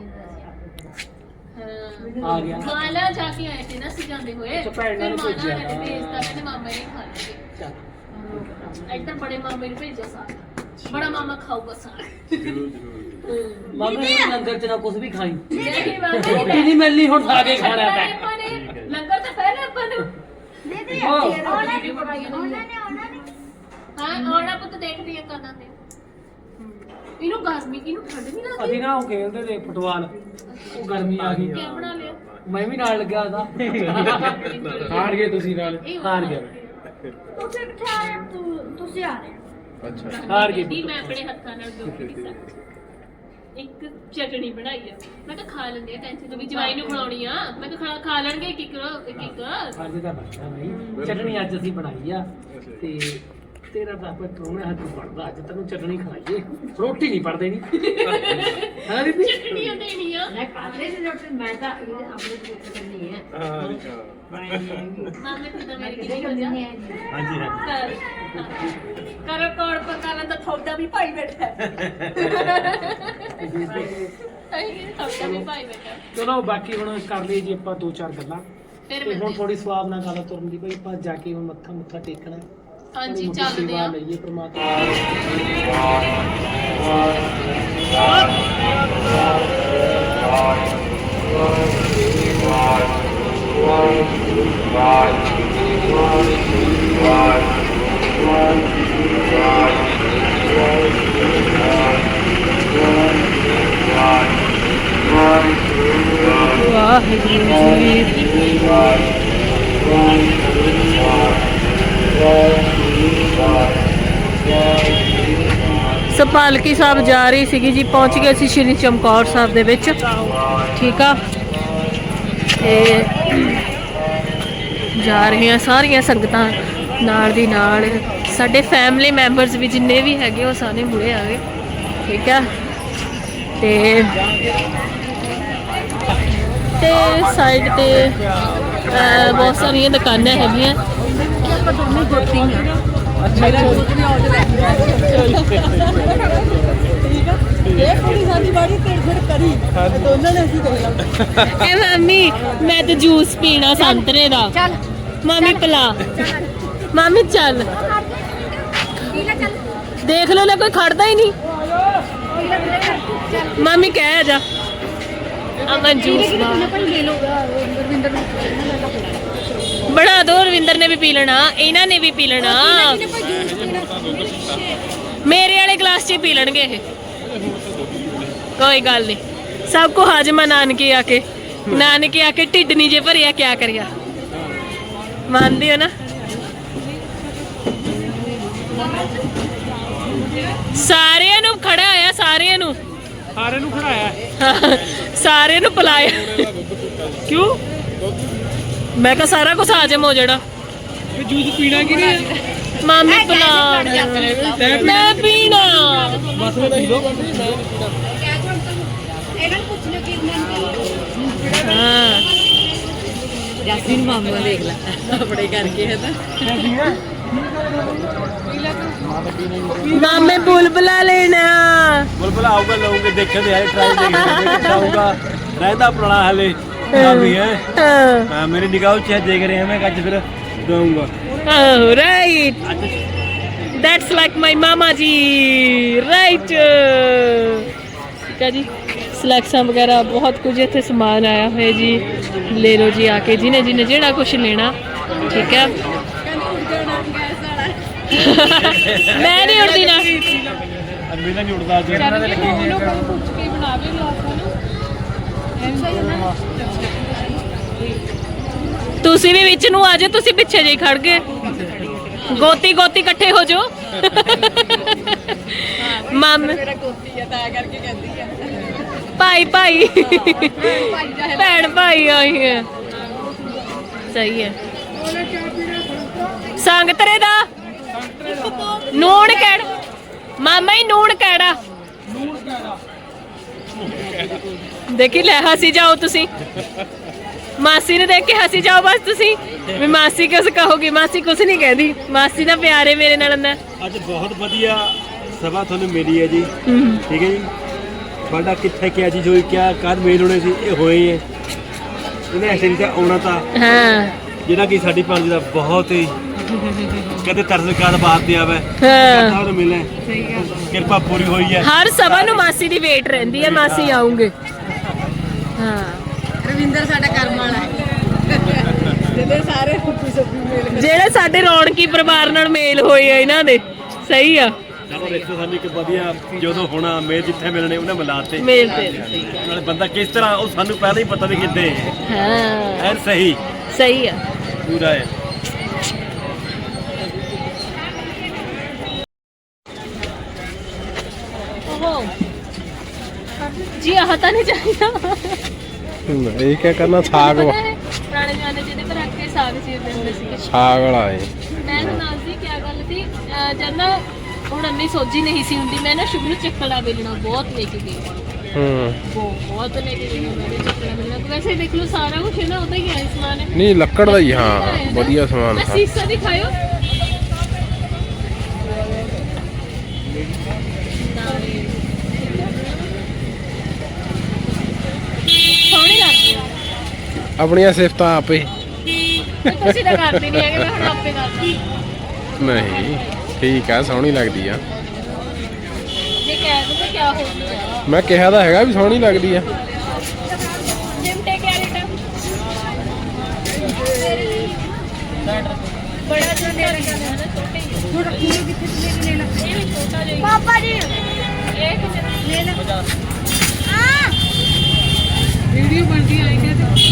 [SPEAKER 4] ਆ ਗਿਆ।
[SPEAKER 2] ਮਾਲਾ ਜਾ ਕੇ ਆਏ ਤੇ ਨਾ ਅਸੀਂ ਜਾਂਦੇ ਹੋਏ
[SPEAKER 4] ਅੱਛਾ, ਭੈਣ ਨਾਲ
[SPEAKER 2] ਫਿਰ
[SPEAKER 4] ਭੇਜਿਆ।
[SPEAKER 2] ਮਾਲਾ ਨੇ ਭੇਜਤਾ, ਕਹਿੰਦੇ ਮਾਮਾ ਨੇ ਖਾ ਲਏ।
[SPEAKER 4] ਚੱਲ
[SPEAKER 2] ਇੱਧਰ ਬੜੇ ਮਾਮੇ ਨੂੰ ਭੇਜੋ ਸਾਗ, ਬੜਾ ਮਾਮਾ ਖਾਊਗਾ ਸਾਗ।
[SPEAKER 4] ਮਾਮੇ ਲੰਗਰ ਚ ਨਾ ਕੁਝ ਵੀ ਖਾਈ
[SPEAKER 2] ਨਹੀਂ ਮਾਮੇ
[SPEAKER 4] ਰੋਟੀ ਨਹੀਂ ਮਿਲਣੀ ਹੁਣ ਖਾ ਕੇ ਖਾਣਾ ਤਾਂ
[SPEAKER 2] ਆਪਾਂ ਨੇ ਲੰਗਰ ਤਾਂ ਪਹਿਲਾਂ ਆਪਾਂ ਨੂੰ ਹਾਂ ਆਉਣਾ ਪੁੱਤ ਦੇਖਦੀ ਆ ਕਦਾਂ ਤੇ ਇਹਨੂੰ ਗਰਮੀ ਇਹਨੂੰ ਠੰਡ ਨਹੀਂ ਲੱਗਦੀ।
[SPEAKER 4] ਅਸੀਂ ਨਾ ਉਹ ਖੇਲਦੇ ਤੇ ਫੁੱਟਬਾਲ, ਉਹ ਗਰਮੀ ਆ ਗਈ,
[SPEAKER 2] ਕੀ ਬਣਾ ਲਿਆ
[SPEAKER 4] ਮੈਂ ਵੀ ਨਾਲ ਲੱਗਿਆ ਉਹਦਾ। ਹਾਰ ਗਏ ਤੁਸੀਂ ਨਾਲ, ਹਾਰ ਗਏ।
[SPEAKER 3] ਤੁਸੀਂ ਕਿੱਥੇ ਆ ਰਹੇ ਹੋ? ਤੁਸੀਂ ਆ ਰਹੇ ਹੋ?
[SPEAKER 1] ਅੱਛਾ
[SPEAKER 4] ਹਾਰ ਗਏ।
[SPEAKER 2] ਦੀ ਮੈਂ ਆਪਣੇ ਹੱਥਾਂ ਨਾਲ ਦੋਖੀ ਦੀ ਸਬਜ਼ੀ ਇੱਕ ਚਟਣੀ ਬਣਾਈ ਆ, ਮੈਂ ਕਿਹਾ ਖਾ ਲੈਂਦੇ ਆ, ਟੈਨਸ਼ਨ ਤੋਂ ਵੀ ਜਵਾਈ ਨੂੰ ਖਿਲਾਉਣੀ ਆ, ਮੈਂ ਕਿਹਾ ਖਾ ਲੈਣਗੇ ਇੱਕ ਇੱਕ
[SPEAKER 4] ਅੱਜ ਤਾਂ ਬਣਦਾ ਨਹੀਂ, ਚਟਣੀ ਅੱਜ ਅਸੀਂ ਬਣਾਈ ਆ। ਤੇ ਤੇਰਾ ਤਾਂ ਆਪਾਂ ਟੋਨੇ ਹੱਥ ਪੜਦਾ, ਅੱਜ ਤੈਨੂੰ ਚਟਣੀ ਖਵਾਈਏ, ਰੋਟੀ ਨਹੀਂ ਪੜਦੇ ਨਹੀਂ ਹਾਂ ਬੀਬੀ।
[SPEAKER 2] ਚਟਣੀ ਉਹ ਦੇਣੀ ਆ।
[SPEAKER 5] ਮੈਂ ਕਾਲੇ ਦੀ ਰੋਟੀ ਮੈਂ ਤਾਂ ਇਹ ਆਪਣੇ ਪੁੱਤ ਕਰਨੀ ਹੈ
[SPEAKER 2] ਮਾਮੇ ਕਿਦਾਂ ਮੇਰੀ ਕਿਹਦੀ ਹੋ ਜਾ
[SPEAKER 6] ਹਾਂਜੀ ਹਾਂਜੀ
[SPEAKER 2] ਕਰੋ ਕੌੜ ਪਕਾਣਾ ਤਾਂ ਥੋੜਾ ਵੀ ਭਾਈ ਬੈਠਾ ਹੈ ਥੋੜਾ ਵੀ ਭਾਈ ਬੈਠਾ।
[SPEAKER 4] ਚਲੋ ਬਾਕੀ ਹੁਣ ਕਰ ਲਈ ਜੀ ਆਪਾਂ 2-4 ਗੱਲਾਂ,
[SPEAKER 2] ਫਿਰ
[SPEAKER 4] ਤੇ ਹੁਣ
[SPEAKER 2] ਮਿਲਦੇ
[SPEAKER 4] ਥੋੜੀ ਸਵਾਬ ਨਾਲ ਗੱਲ ਤੁਰਨ ਦੀ ਬਈ, ਆਪਾਂ ਜਾ ਕੇ ਹੁਣ ਮੱਥਾ ਮੁੱਥਾ ਟੇਕਣਾ,
[SPEAKER 2] ਹਾਂਜੀ
[SPEAKER 4] ਥੋੜੀ
[SPEAKER 2] ਚੱਲਦੇ
[SPEAKER 4] ਸੇਵਾ
[SPEAKER 2] ਆ।
[SPEAKER 4] ਲਈਏ ਪ੍ਰਮਾਤਮਾ।
[SPEAKER 2] ਸੋ ਪਾਲਕੀ ਸਾਹਿਬ ਜਾ ਰਹੀ ਸੀਗੀ ਜੀ, ਪਹੁੰਚ ਗਏ ਸੀ ਸ਼੍ਰੀ ਚਮਕੌਰ ਸਾਹਿਬ ਦੇ ਵਿੱਚ, ਠੀਕ ਆ। ਤੇ ਜਾ ਰਹੀਆਂ ਸਾਰੀਆਂ ਸੰਗਤਾਂ ਨਾਲ ਦੀ ਨਾਲ, ਸਾਡੇ ਫੈਮਿਲੀ ਮੈਂਬਰਸ ਵੀ ਜਿੰਨੇ ਵੀ ਹੈਗੇ ਉਹ ਸਾਰੇ ਮੁੜੇ ਆ ਗਏ, ਠੀਕ ਆ। ਤੇ ਸਾਈਡ ਤੇ ਬਹੁਤ ਸਾਰੀਆਂ ਦੁਕਾਨਾਂ ਹੈਗੀਆਂ।
[SPEAKER 5] ਆਪਾਂ ਦੋਨੇ ਗੋਤੀ ਆ।
[SPEAKER 2] ਐ ਮਾਮੀ ਮੈਂ ਤੇ ਜੂਸ ਪੀਣਾ ਸੰਤਰੇ ਦਾ,
[SPEAKER 3] ਚੱਲ
[SPEAKER 2] ਮਾਮੀ ਪਿਲਾ, ਮਾਮੀ ਚੱਲ ਦੇਖ ਲਓ ਲੈ ਕੋਈ ਖੜਦਾ ਹੀ ਨਹੀਂ, ਮਾਮੀ ਕਹਿ ਜਾ ਅਮਨ ਜੂਸ ਦਾ ਬਣਾ ਦੋ। ਰਵਿੰਦਰ ਨੇ ਵੀ ਪੀ ਲੈਣਾ, ਇਹਨਾਂ ਨੇ ਵੀ ਪੀ ਲੈਣਾ, ਮੇਰੇ ਵਾਲੇ ਗਲਾਸ 'ਚ ਹੀ ਪੀ ਲੈਣਗੇ ਇਹ, ਕੋਈ ਗੱਲ ਨਹੀਂ। ਸਭ ਕੋ ਹਾਜਮਾ ਨਾਨਕੇ ਆ ਕੇ, ਨਾਨਕੇ ਆ ਕੇ ਢਿੱਡ ਨਹੀਂ ਜੇ ਭਰਿਆ ਕਿਆ ਕਰਿਆ, ਮੰਨਦੇ ਹੋ ਨਾ। ਸਾਰਿਆਂ ਨੂੰ ਖੜਾ ਹੋਇਆ, ਸਾਰਿਆਂ ਨੂੰ
[SPEAKER 4] ਖੜਾਇਆ,
[SPEAKER 2] ਸਾਰਿਆਂ ਨੂੰ ਪਿਲਾਇਆ। ਕਿਉਂ? ਮੈਂ ਕਿਹਾ ਸਾਰਾ ਕੁਝ ਹਾਜਮ ਹੋ ਜਾਣਾ।
[SPEAKER 4] ਜੂਸ ਪੀਣਾ ਕਿ ਨਹੀਂ?
[SPEAKER 2] ਮਾਮੀ ਪਿਲਾ, ਮੈਂ ਪੀਣਾ।
[SPEAKER 4] ਬਸ ਮੈਂ ਪੀ ਲਓ।
[SPEAKER 3] ਇਹਨਾਂ ਨੂੰ ਪੁੱਛ ਲਿਓ ਕਿ
[SPEAKER 2] ਹਾਂ
[SPEAKER 5] ਯਾਸੀਨ ਮਾਮੂ ਦੇਖ ਲੈ ਆਪਣੇ ਕਰਕੇ ਹੈ ਨਾ।
[SPEAKER 2] ਮਾਮੇ ਬੁਲਬੁਲਾ ਲੈਣਾ।
[SPEAKER 6] बुलबुल आऊंगा लाऊंगे देखे तो यार ट्राई देखिए आऊंगा रहता पुराना हाले भी है हाँ, मेरी निगाह से देख रहे हैं मैं आज फिर दूंगा
[SPEAKER 2] Oh, right. That's like my mama ji. Right. ਠੀਕ ਹੈ ਜੀ, ਸਲੈਕਸਾਂ ਵਗੈਰਾ ਬਹੁਤ ਕੁਝ ਇੱਥੇ ਸਮਾਨ ਆਇਆ ਹੋਇਆ ਜੀ, ਲੈ ਲਓ ਜੀ ਆ ਕੇ, ਜਿਹਨੇ ਜਿਹਨੇ ਜਿਹੜਾ ਕੁਝ ਲੈਣਾ, ਠੀਕ ਹੈ। ਮੈਂ ਨਹੀਂ ਉੜਦੀ ਨਾ,
[SPEAKER 6] मेरा नहीं उड़ता
[SPEAKER 2] ਤੁਸੀਂ ਵੀ ਵਿੱਚ ਨੂੰ ਆ ਜਾਓ, ਤੁਸੀਂ ਪਿੱਛੇ ਜਿਹੀ ਖੜ ਗਏ, ਗੋਤੀ ਗੋਤੀ ਇਕੱਠੇ ਹੋ ਜਾਓ। ਮਾਮੇ ਭਾਈ ਭਾਈ ਭੈਣ ਭਾਈ ਆਈ ਹੈ, ਸਹੀ ਹੈ। ਸੰਗਤਰੇ ਦਾ ਨੂਣ ਕਿਹੜਾ ਮਾਮਾ ਹੀ ਨੂਣ ਕਿਹੜਾ ਦੇਖੀ ਲੈ ਹੱਸੀ ਜਾਓ ਤੁਸੀਂ, ਮਾਸੀ ਨੂੰ ਦੇਖ ਕੇ ਹੱਸੀ ਜਾਓ ਬਸ ਤੁਸੀਂ ਵੀ ਮਾਸੀ ਕਿਸ ਕਹੋਗੀ, ਮਾਸੀ ਕੁਛ ਨਹੀਂ ਕਹਿੰਦੀ, ਮਾਸੀ ਦਾ ਪਿਆਰ ਹੈ ਮੇਰੇ ਨਾਲ ਅੰਦਰ।
[SPEAKER 6] ਅੱਜ ਬਹੁਤ ਵਧੀਆ ਸਭਾ ਤੁਹਾਨੂੰ ਮਿਲੀ ਹੈ ਜੀ, ਠੀਕ ਹੈ ਜੀ। ਤੁਹਾਡਾ ਕਿੱਥੇ ਕਿਆ ਚੀਜ਼ ਹੋਈ, ਕਿਆ ਕਾਦ ਮੇਲ ਹੋਣੇ ਸੀ, ਇਹ ਹੋਏ ਹੈ। ਇਹਨੇ ਐਸੇ ਨਹੀਂ ਤਾਂ ਆਉਣਾ ਤਾਂ
[SPEAKER 2] ਹਾਂ
[SPEAKER 6] ਜਿਹੜਾ ਕਿ ਸਾਡੀ ਪੰਜ ਦਾ ਬਹੁਤ ਹੀ ਕਦੇ ਤਰਸਕਾਰ ਬਾਤ ਤੇ ਆਵੇ
[SPEAKER 2] ਹਾਂ
[SPEAKER 6] ਤੁਹਾਨੂੰ ਮਿਲੇ, ਕਿਰਪਾ ਪੂਰੀ ਹੋਈ ਹੈ।
[SPEAKER 2] ਹਰ ਸਭਾ ਨੂੰ ਮਾਸੀ ਦੀ ਵੇਟ ਰਹਿੰਦੀ ਹੈ, ਮਾਸੀ ਆਉਂਗੇ। ਹਾਂ
[SPEAKER 5] ਰਵਿੰਦਰ ਸਾਡਾ ਕਰਮ ਵਾਲਾ ਹੈ ਜਿਹਦੇ ਸਾਰੇ ਹੁੱਪੀ ਸੱਪੀ ਮਿਲ
[SPEAKER 2] ਜਿਹੜੇ ਸਾਡੇ ਰੌਣਕੀ ਪਰਿਵਾਰ ਨਾਲ ਮੇਲ ਹੋਏ ਆ ਇਹਨਾਂ ਦੇ। ਸਹੀ ਆ,
[SPEAKER 6] ਚਲੋ ਰਿਸ਼ਤੇ ਸਾਨੂੰ ਇੱਕ ਵਧੀਆ ਜਦੋਂ ਹੋਣਾ ਮੇਲ ਜਿੱਥੇ ਮਿਲਣੇ ਉਹਨੇ ਮਿਲਾਤੇ
[SPEAKER 2] ਮੇਲ ਤੇ।
[SPEAKER 6] ਨਾਲੇ ਬੰਦਾ ਕਿਸ ਤਰ੍ਹਾਂ ਉਹ ਸਾਨੂੰ ਪਹਿਲਾਂ ਹੀ ਪਤਾ ਵੀ ਕਿੱਦੇ
[SPEAKER 2] ਹਾਂ
[SPEAKER 6] ਐਨ ਸਹੀ
[SPEAKER 2] ਸਹੀ ਆ।
[SPEAKER 6] ਪੂਰਾ ਹੈ।
[SPEAKER 2] ਓਹੋ ਜੀ ਆਹ ਤਾਂ ਨਹੀਂ ਚਾਹੀਦਾ।
[SPEAKER 1] ਇਹ ਕੀ ਕਰਨਾ, ਸਾਗ ਵਾ।
[SPEAKER 2] ਪੁਰਾਣੇ ਜ਼ਮਾਨੇ ਜਿਹਦੇ ਪਰ ਰੱਖ ਕੇ ਸਾਗ ਚੀਰਦੇ ਹੁੰਦੇ ਸੀਗੇ।
[SPEAKER 1] ਸਾਗ ਵਾਲਾ ਏ।
[SPEAKER 2] ਮੈਂ ਦੱਸਦੀ ਕੀ ਗੱਲ ਸੀ, ਜਦ ਨਾ ਹੁਣ ਇੰਨੀ ਸੋਝੀ ਨਹੀਂ ਸੀ ਹੁੰਦੀ, ਮੈਂ ਨਾ ਸ਼ੁਰੂ ਨੂੰ ਚੱਕਲਾ ਵੇਲਣਾ ਬਹੁਤ ਲੈ ਕੇ ਗਈ। ਬਹੁਤ ਲੈ ਕੇ ਗਈ ਮੈਂ ਚੱਕਲਾ ਵੇਲਣਾ। ਵੈਸੇ ਦੇਖ ਲਓ ਸਾਰਾ ਕੁਝ ਹੈ ਨਾ ਉਹਦਾ ਹੀ ਹੈ ਸਮਾਨ ਹੈ।
[SPEAKER 1] ਨਹੀਂ ਲੱਕੜ ਦਾ ਹੀ, ਹਾਂ ਵਧੀਆ ਸਮਾਨ।
[SPEAKER 2] ਮੈਂ ਸੀਸਾ ਦਿਖਾਇਓ। ਸੋਹਣੀ ਲੱਗਦੀ ਆ।
[SPEAKER 1] ਆਪਣੀਆਂ ਸਿਫਤਾਂ ਆਪੇ।
[SPEAKER 2] ਤੁਸੀਂ ਤਾਂ ਕਰਦੇ ਨਹੀਂ ਹੈਗੇ, ਮੈਂ ਹੁਣ ਆਪੇ ਕਰਦੀ।
[SPEAKER 1] ਨਹੀਂ ਠੀਕ ਆ, ਸੋਹਣੀ ਲੱਗਦੀ ਆ।
[SPEAKER 2] ਜੇ ਕਹਿ ਦੋ ਤਾਂ ਕੀ ਹੋ ਗਿਆ।
[SPEAKER 1] ਮੈਂ ਕਿਹਾ ਤਾਂ ਹੈਗਾ ਵੀ ਸੋਹਣੀ ਲੱਗਦੀ ਆ।
[SPEAKER 2] ਜਿਮਟੇ ਕਿਆ ਰੇਟ ਆ? ਬੜਾ ਜਿਹਾ ਲੈ ਲੈਣਾ ਹੈ ਨਾ, ਛੋਟੇ ਹੀ।
[SPEAKER 3] ਥੋੜਾ ਕਿੱਥੇ ਲੈ ਲੈਣਾ
[SPEAKER 2] ਇਹ ਵੀ ਛੋਟਾ ਜਿਹਾ ਹੀ।
[SPEAKER 3] ਪਾਪਾ ਜੀ
[SPEAKER 2] ਇਹ ਕਿੰਨੇ ਦਾ?
[SPEAKER 3] ਲੈ ਲੈ
[SPEAKER 5] ਵੀਡੀਓ ਬਣਦੀ ਆਏਗੀ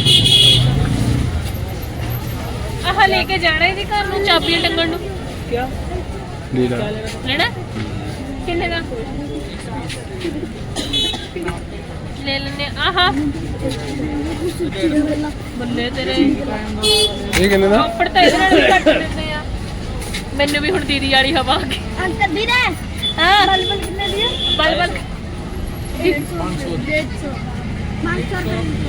[SPEAKER 2] ਆਹ ਲੈ ਕੇ ਜਾਣਾ ਇਹਦੇ ਘਰ ਨੂੰ, ਚਾਬੀਆਂ ਟੰਗਣ ਨੂੰ।
[SPEAKER 1] ਲੀਲਾ
[SPEAKER 2] ਲੈਣਾ ਕਿੰਨੇ ਦਾ? ਲੈ ਲੈਣੇ ਆਹਾ। ਬੱਲੇ ਤੇਰੇ
[SPEAKER 1] ਇਹ ਕਿੰਨੇ ਦਾ?
[SPEAKER 2] ਕੱਪੜ ਤਾਂ ਇਹਦੇ ਨਾਲ ਵੀ ਘੱਟ ਦਿੰਦੇ ਆ। ਮੈਨੂੰ ਵੀ ਹੁਣ ਦੀਦੀ ਵਾਲੀ ਹਵਾ ਆ ਗਈ।
[SPEAKER 3] ਅੰਕਲ ਵੀਰੇ
[SPEAKER 2] ਹਾਂ
[SPEAKER 3] ਬਲਬਲ ਕਿੰਨੇ ਦੀ ਹੈ?
[SPEAKER 2] ਬਲ
[SPEAKER 3] 150 500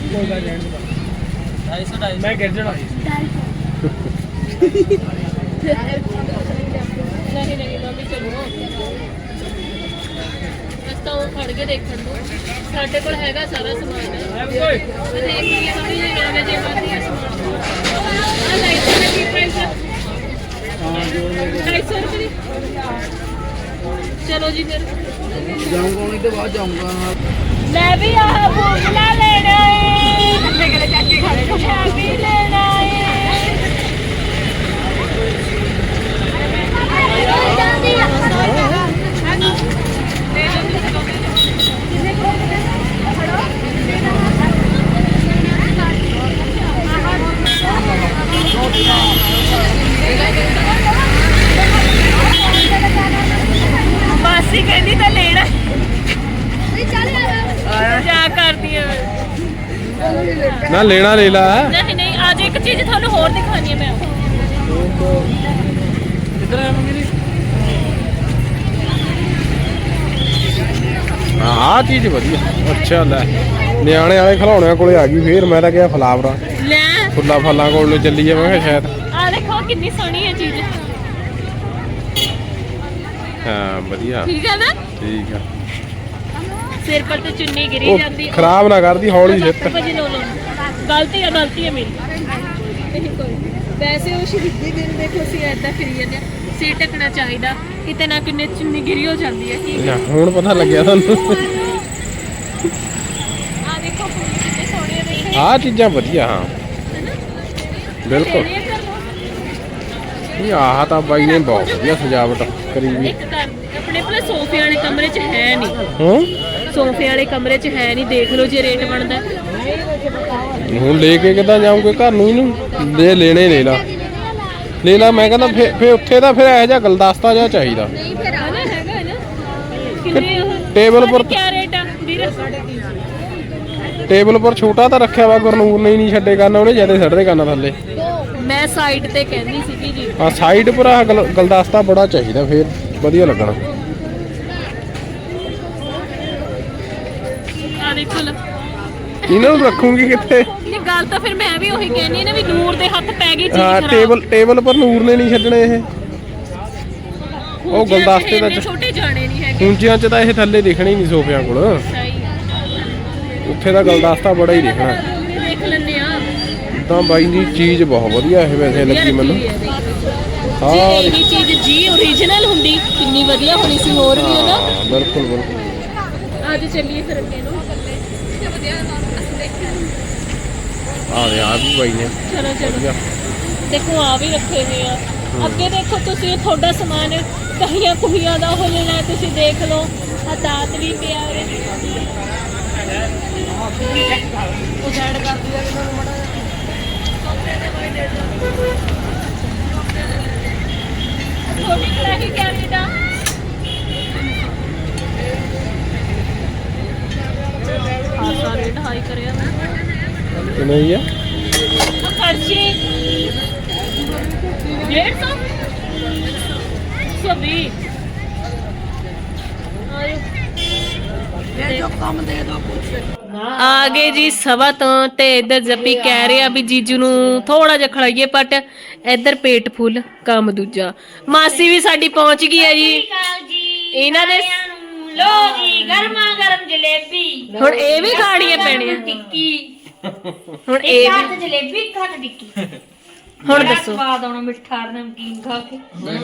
[SPEAKER 4] ਮੈਂ ਗਿਰ ਜਾਣਾ।
[SPEAKER 2] ਨਹੀਂ ਨਹੀਂ ਮੰਮੀ ਚਲੋ ਰਸਤਾ ਉਹ ਖੜ ਕੇ ਦੇਖਣ ਨੂੰ। ਸਾਡੇ ਕੋਲ ਹੈਗਾ ਸਾਰਾ ਸਮਾਨ। ਤੇ ਦੇਖ ਲਈਏ ਥੋੜੀ ਜਿਹੀ ਗੱਲ ਜੇ ਬਾਕੀ ਹੈ ਸਮਾਨ। ਆ ਲਾਈਟ ਦਾ ਕੀ ਪ੍ਰਾਈਸ ਹੈ? 250 ਰੁਪਏ ਦੀ। ਚਲੋ ਜੀ ਫਿਰ
[SPEAKER 7] ਜਾਊਂਗਾ ਉਹਨੇ ਤੋਂ ਬਾਅਦ ਜਾਊਂਗਾ।
[SPEAKER 2] ਮੈਂ ਵੀ ਆਹ ਬੂਗਲਾ ਲੈਣਾ ਏ। ਅੱਗੇ ਗਲੇ ਚੱਕ ਕੇ ਖੜੇ ਮੈਂ ਵੀ ਲੈਣਾ ਏ। ਮਾਸੀ ਕਹਿੰਦੀ ਤਾਂ ਲੈਣਾ। ਜਾ ਕਰਦੀ ਆ
[SPEAKER 1] ਨਾ ਲੈਣਾ ਲੈ ਲਾ।
[SPEAKER 2] ਨਹੀਂ ਨਹੀਂ ਅੱਜ ਇੱਕ ਚੀਜ਼ ਤੁਹਾਨੂੰ ਹੋਰ ਦਿਖਾਣੀ ਹੈ ਮੈਂ।
[SPEAKER 1] ਹਾਂ ਆਹ ਚੀਜ਼ ਵਧੀਆ। ਅੱਛਾ ਲੈ ਨਿਆਣੇ ਵਾਲੇ ਖਿਡੌਣਿਆਂ ਕੋਲੇ ਆ ਗਈ ਫੇਰ। ਮੈਂ ਤਾਂ ਕਿਹਾ ਫਲਾਵਰਾਂ
[SPEAKER 2] ਲੈ
[SPEAKER 1] ਫੁੱਲਾਂ ਫਲਾਂ ਕੋਲ ਨੂੰ ਚੱਲੀ ਆ। ਮੈਂ ਕਿਹਾ ਸ਼ਾਇਦ।
[SPEAKER 2] ਆ ਦੇਖੋ ਕਿੰਨੀ ਸੋਹਣੀ ਹੈ ਚੀਜ਼।
[SPEAKER 1] ਹਾਂ ਵਧੀਆ
[SPEAKER 2] ਠੀਕ ਹੈ ਨਾ?
[SPEAKER 1] ਠੀਕ ਆ।
[SPEAKER 2] ਸਿਰ ਪਰ ਤੇ ਚੁੰਨੀ ਗਿਰੀ
[SPEAKER 1] ਉਹ
[SPEAKER 2] ਜਾਂਦੀ।
[SPEAKER 1] ਖਰਾਬ ਨਾ ਕਰਦੀ, ਹੌਲੀ ਸਿੱਟ।
[SPEAKER 2] ਭਾਜੀ ਲੋ ਲੋ ਗਲਤੀ ਹੈ ਮੇਰੀ। ਨਹੀਂ ਕੋਈ ਵੈਸੇ ਉਹ ਸ਼ਹੀਦੀ ਦਿਨ ਦੇਖੋ ਅਸੀਂ ਐਦਾਂ ਫਿਰੀ ਜਾਂਦੇ ਆ। ਸਿਰ ਢੱਕਣਾ ਚਾਹੀਦਾ, ਕਿਤੇ ਨਾ ਕਿੰਨੇ ਚੁੰਨੀ ਗਿਰੀ ਹੋ ਜਾਂਦੀ ਹੈ। ਠੀਕ ਹੈ
[SPEAKER 1] ਹੁਣ ਪਤਾ ਲੱਗਿਆ ਤੁਹਾਨੂੰ।
[SPEAKER 2] ਆ ਦੇਖੋ ਫੁੱਲ ਕਿੰਨੇ ਸੋਹਣੇ ਦੇਖੇ।
[SPEAKER 1] ਆਹ ਚੀਜ਼ਾਂ ਵਧੀਆ। ਹਾਂ ਬਿਲਕੁਲ।
[SPEAKER 2] ਲੈਣੇ ਆ ਘਰ ਨੂੰ।
[SPEAKER 1] ਨਹੀਂ ਆਹ ਤਾਂ ਬਾਈ ਨੇ ਬਹੁਤ ਵਧੀਆ ਸਜਾਵਟ ਕਰੀ ਵੀ।
[SPEAKER 2] ਇੱਕ ਘਰ ਆਪਣੇ ਕੋਲ ਸੋਫੇ ਵਾਲੇ ਕਮਰੇ 'ਚ ਹੈ ਨਹੀਂ।
[SPEAKER 1] ਹੂੰ
[SPEAKER 2] ਸੋਫੇ ਵਾਲੇ ਕਮਰੇ 'ਚ ਹੈ ਨਹੀਂ। ਦੇਖ ਲਓ ਜੇ ਰੇਟ ਬਣਦਾ।
[SPEAKER 1] ਹੁਣ ਲੈ ਕੇ ਕਿੱਦਾਂ ਜਾਊਂਗੇ ਘਰ ਨੂੰ ਇਹਨੂੰ? ਦੇ ਲੈਣੇ ਲੈ ਲਾ ਲੈ ਲਾ। ਮੈਂ ਕਹਿੰਦਾ ਫੇ ਉੱਥੇ ਤਾਂ ਫਿਰ ਇਹੋ ਜਿਹਾ ਗਲਦਸਤਾ ਜਿਹਾ ਚਾਹੀਦਾ।
[SPEAKER 2] ਨਹੀਂ ਫਿਰ ਆ ਨਾ ਹੈਗਾ ਨਾ ਕਿੰਨੇ ਉਹ
[SPEAKER 1] ਟੇਬਲ ਪਰ
[SPEAKER 2] ਕੀ ਰੇਟ ਆ ਵੀਰ?
[SPEAKER 1] ਟੇਬਲ ਪਰ ਛੋਟਾ ਤਾਂ ਰੱਖਿਆ ਵਾ ਗੁਰਨੂਰ ਨੇ ਹੀ ਨਹੀਂ ਛੱਡੇ ਕਰਨਾ, ਉਹਨੇ ਜਿਆਦਾ ਛੱਡਦੇ ਕਰਨਾ ਥੱਲੇ।
[SPEAKER 2] ਮੈਂ ਸਾਈਡ ਤੇ ਕਹਿੰਦੀ ਸੀਗੀ ਜੀ।
[SPEAKER 1] ਆ ਸਾਈਡ ਪਰ ਆਹ ਗਲਦਸਤਾ ਬੜਾ ਚਾਹੀਦਾ, ਫੇਰ ਵਧੀਆ ਲੱਗਣਾ।
[SPEAKER 2] ਆ ਦੇਖੋ ਲੋ
[SPEAKER 1] ਇਹਨਾਂ ਨੂੰ ਰੱਖੂਗੀ ਕਿੱਥੇ?
[SPEAKER 2] ਇਹ ਗੱਲ ਤਾਂ ਫਿਰ ਮੈਂ ਵੀ ਉਹੀ ਕਹਿੰਦੀ ਨਾ ਵੀ ਨੂਰ ਦੇ ਹੱਥ ਪੈ ਗਈ ਚੀਜ਼
[SPEAKER 1] ਹਾਂ
[SPEAKER 2] ਖਰਾਬ।
[SPEAKER 1] ਟੇਬਲ ਪਰ ਨੂਰ ਨੇ ਨਹੀਂ ਛੱਡਣੇ ਇਹ। ਉਹ ਗੁਲਦਸਤੇ ਦਾ
[SPEAKER 2] ਛੋਟੇ ਜਾਣੇ ਨਹੀਂ ਹੈਗੇ।
[SPEAKER 1] ਉਂਚਿਆਂ 'ਚ ਤਾਂ ਇਹ ਥੱਲੇ ਦਿਖਣੇ ਹੀ ਨਹੀਂ ਸੋਫਿਆਂ ਕੋਲ।
[SPEAKER 2] ਸਹੀ ਆ।
[SPEAKER 1] ਉੱਥੇ ਦਾ ਗੁਲਦਸਤਾ ਬੜਾ ਹੀ ਦਿਖਣਾ।
[SPEAKER 2] ਦੇਖ ਲੈਂਦੇ ਆ
[SPEAKER 1] ਤਾਂ ਬਾਈ ਦੀ ਚੀਜ਼ ਬਹੁਤ ਵਧੀਆ ਇਹ ਵੈਸੇ ਲੱਗੀ ਮੈਨੂੰ।
[SPEAKER 2] ਜੀ
[SPEAKER 1] ਹਾਂ
[SPEAKER 2] ਇਹੀ ਚੀਜ਼ ਜੀ ਓਰੀਜਨਲ ਹੁੰਦੀ ਕਿੰਨੀ ਵਧੀਆ ਹੋਣੀ ਸੀ ਹੋਰ ਵੀ ਹੈ ਨਾ।
[SPEAKER 1] ਬਿਲਕੁਲ ਬਿਲਕੁਲ।
[SPEAKER 2] ਅੱਜ ਚੱਲੀਏ ਫਿਰ ਅੱਗੇ ਨੂੰ।
[SPEAKER 1] ਆ ਵੀ ਬਾਈ ਨੇ
[SPEAKER 2] ਚਲੋ ਚਲੋ ਦੇਖੋ ਆ ਵੀ ਰੱਖੇ ਹੋਏ ਆ। ਅੱਗੇ ਦੇਖੋ ਤੁਸੀਂ ਤੁਹਾਡਾ ਸਮਾਨ ਕਹੀਆਂ ਕੁਹੀਆਂ ਦਾ ਹੋ ਲੈਣਾ ਤੁਸੀਂ ਦੇਖ ਲਓ। ਆ ਦਾਤ ਵੀ ਪਿਆ ਉਰੇ।
[SPEAKER 5] ਉਹ ਸਾਈਡ ਕਰਦੀ ਆ ਇਹਨਾਂ ਨੂੰ ਮੜਾ
[SPEAKER 2] ਛੋਟੀ ਕੜਾਹੀ ਕੈਨੇਡਾ ਆ ਸਾਰੇ ਢਾਈ ਕਰਿਆ ਮੈਂ
[SPEAKER 1] ਕਿੰਨੇ ਹੀ ਆ?
[SPEAKER 2] ਆ ਕੜਛੀ 150 ਆ ਗਏ ਜੀ ਸਵਾ ਤੋਂ ਤੇ ਇੱਧਰ ਜੱਪੀ ਕਹਿ ਰਿਹਾ ਵੀ ਜੀਜੂ ਨੂੰ ਥੋੜਾ ਜਿਹਾ ਖੜਾਈਏ ਪਟ ਇੱਧਰ ਪੇਟ ਫੁੱਲ ਕੰਮ ਦੂਜਾ। ਮਾਸੀ ਵੀ ਸਾਡੀ ਪਹੁੰਚ ਗਈ ਹੈ ਜੀ। ਇਹਨਾਂ ਦੇ
[SPEAKER 3] ਲੋ ਜੀ ਗਰਮਾ ਗਰਮ ਜਲੇਬੀ
[SPEAKER 2] ਹੁਣ ਇਹ ਵੀ ਖਾਣੀਆਂ ਪੈਣੀਆਂ।
[SPEAKER 3] ਟਿੱਕੀ
[SPEAKER 2] ਹੁਣ ਇਹ ਵੀ
[SPEAKER 3] ਘੱਟ ਜਲੇਬੀ ਘੱਟ ਟਿੱਕੀ
[SPEAKER 2] ਹੁਣ ਦੱਸੋ
[SPEAKER 3] ਸਵਾਦ ਆਉਣਾ ਮਿੱਠਾ ਨਮਕੀਨ ਖਾ ਕੇ।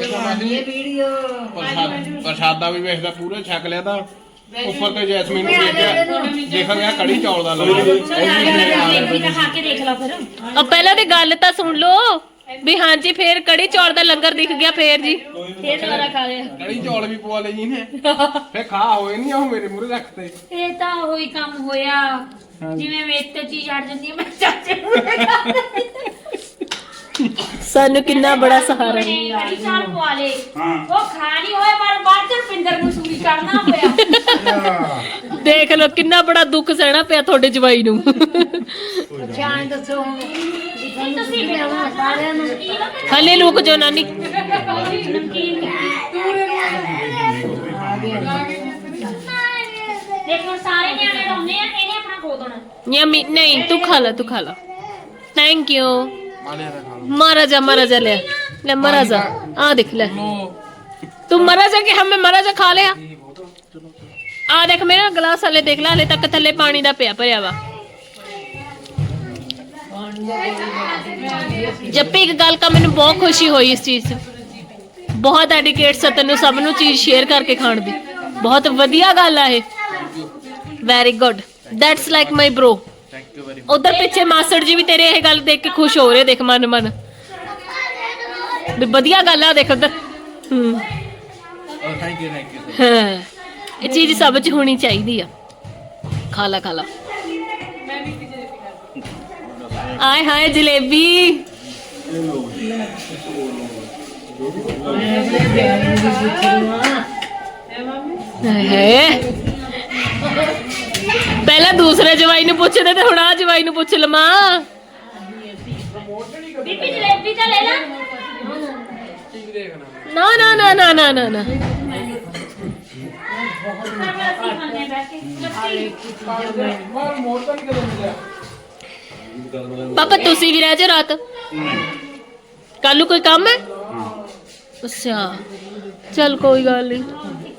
[SPEAKER 1] ਪ੍ਰਸ਼ਾਦਾ ਵੀ ਵੇਖਦਾ ਪੂਰਾ ਛਕ ਲਿਆ ਤਾਂ ਉੱਪਰ ਤੇ ਜੈਸਮੀਨ ਨੂੰ ਦੇਖਿਆ ਗਿਆ ਕੜੀ ਚੌਲ ਦਾ
[SPEAKER 3] ਜਲੇਬੀ ਤਾਂ ਖਾ ਕੇ ਦੇਖ ਲਾ ਫਿਰ।
[SPEAKER 2] ਆ ਪਹਿਲਾਂ ਤੇ ਗੱਲ ਤਾਂ ਸੁਣ ਲਓ ਵੀ ਹਾਂਜੀ ਫੇਰ ਕੜੀ ਚੌਲ ਦਾ ਲੰਗਰ ਦਿਖ ਗਿਆ ਫੇਰ ਜੀ।
[SPEAKER 3] ਫੇਰ ਦੁਬਾਰਾ ਖਾ ਲਿਆ।
[SPEAKER 1] ਕੜੀ ਚੌਲ ਵੀ ਪਵਾ ਲਏ ਜੀ ਨੇ ਫੇ ਖਾ ਹੋਏ ਨਹੀਂ ਉਹ ਮੇਰੇ ਮੂਹਰੇ ਰੱਖਤੇ।
[SPEAKER 3] ਇਹ ਤਾਂ ਹੋਈ ਕੰਮ ਹੋਇਆ ਜਿਵੇਂ ਮੇਰੇ ਤੇ ਚੀਜ਼ ਅੜ ਜਾਂਦੀ ਹੈ ਮੈਂ ਚਾਚੇ ਨੂੰ
[SPEAKER 2] ਸਾਨੂੰ ਕਿੰਨਾ ਬੜਾ ਸਹਾਰਾ
[SPEAKER 3] ਕੜੀ ਚਾਲ ਪਵਾ ਲੇ ਉਹ ਖਾ ਨਹੀਂ ਹੋਏ ਪਰ ਬਾਅਦ ਚ ਰੁਪਿੰਦਰ ਨੂੰ ਸੂਰੀ ਕਰਨਾ ਪਿਆ।
[SPEAKER 2] ਦੇਖ ਲਓ ਕਿੰਨਾ ਬੜਾ ਦੁੱਖ ਸਹਿਣਾ ਪਿਆ ਤੁਹਾਡੇ ਜਵਾਈ ਨੂੰ।
[SPEAKER 5] ਜਾਣ ਦੱਸੋ ਹੁਣ
[SPEAKER 3] ਤੁਸੀਂ ਬਿਆਵਾ ਸਾਰਿਆਂ ਨੂੰ
[SPEAKER 2] ਹਲੇ ਲੁਕ ਜੋ ਨਾਨੀ।
[SPEAKER 3] ਨਮਕੀਨ ਦੇਖੋ ਸਾਰੇ ਨਿਆਣੇ ਡਾਉਂਦੇ ਆ ਇਹਨੇ ਆਪਣਾ ਖੋ ਦੇਣਾ।
[SPEAKER 2] ਯਮੀ ਨਹੀਂ ਤੂੰ ਖਾ ਲਾ ਥੈਂਕ ਯੂ। महाराजा ले ले महाराजा आ देख ले तू महाराजा के हमें महाराजा खा लिया। आ देख मेरा गिलास हले देख ला हले तक थले पानी दा पिया भरिया वा। जप्पी एक गल का मैंने बहुत खुशी हुई इस चीज से। बहुत डेडिकेट सा तेनू सब नू चीज शेयर करके खाण दी बहुत वधिया गल है। Very good that's like my bro. उधर पिछे मास्टर जी भी तेरे ये गल देख के खुश हो रहे देख मन मन वधिया गल है देख उधर। हाँ ये चीज सब च होनी चाहिए। खा ला आए हाय जलेबी है। पहले दूसरे जवाई ने पूछे थे हुण आ जवाई ने पूछ लमा।
[SPEAKER 3] ਬੀਬੀ ਜਲੇਬੀ ਤਾਂ ਲੈ ਲੈ।
[SPEAKER 2] ना ना ना ना ना ना ना पापा तुसी भी रह जाओ रात कल कोई काम है। अच्छा चल कोई गल नहीं।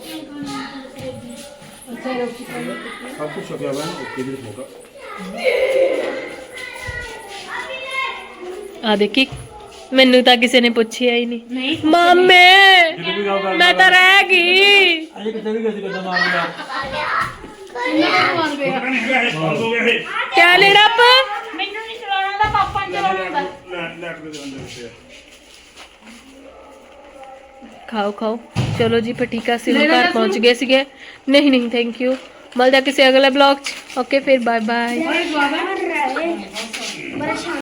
[SPEAKER 2] आ देखी मैनू तो किसी ने पूछा ही नहीं। मामे मैं तो रह गई।
[SPEAKER 6] ਅਜੇ ਕਿਤੇ ਵੀ ਕਿਸੇ ਕਿਦਾਂ ਮਾਰ ਲਿਆ
[SPEAKER 2] क्या ले रप
[SPEAKER 3] ਮੈਨੂੰ ਨਹੀਂ ਚਲਾਉਣਾ ਦਾ ਪਾਪਾ ਨੂੰ ਚਲਾਉਣਾ ਦਾ।
[SPEAKER 2] खाओ खाओ चलो जी फिर ठीक है सिर घर पहुंच गए सीगे। नहीं नहीं थैंक यू मिलता किसी अगले ब्लॉग च। ओके फिर बाय बाय।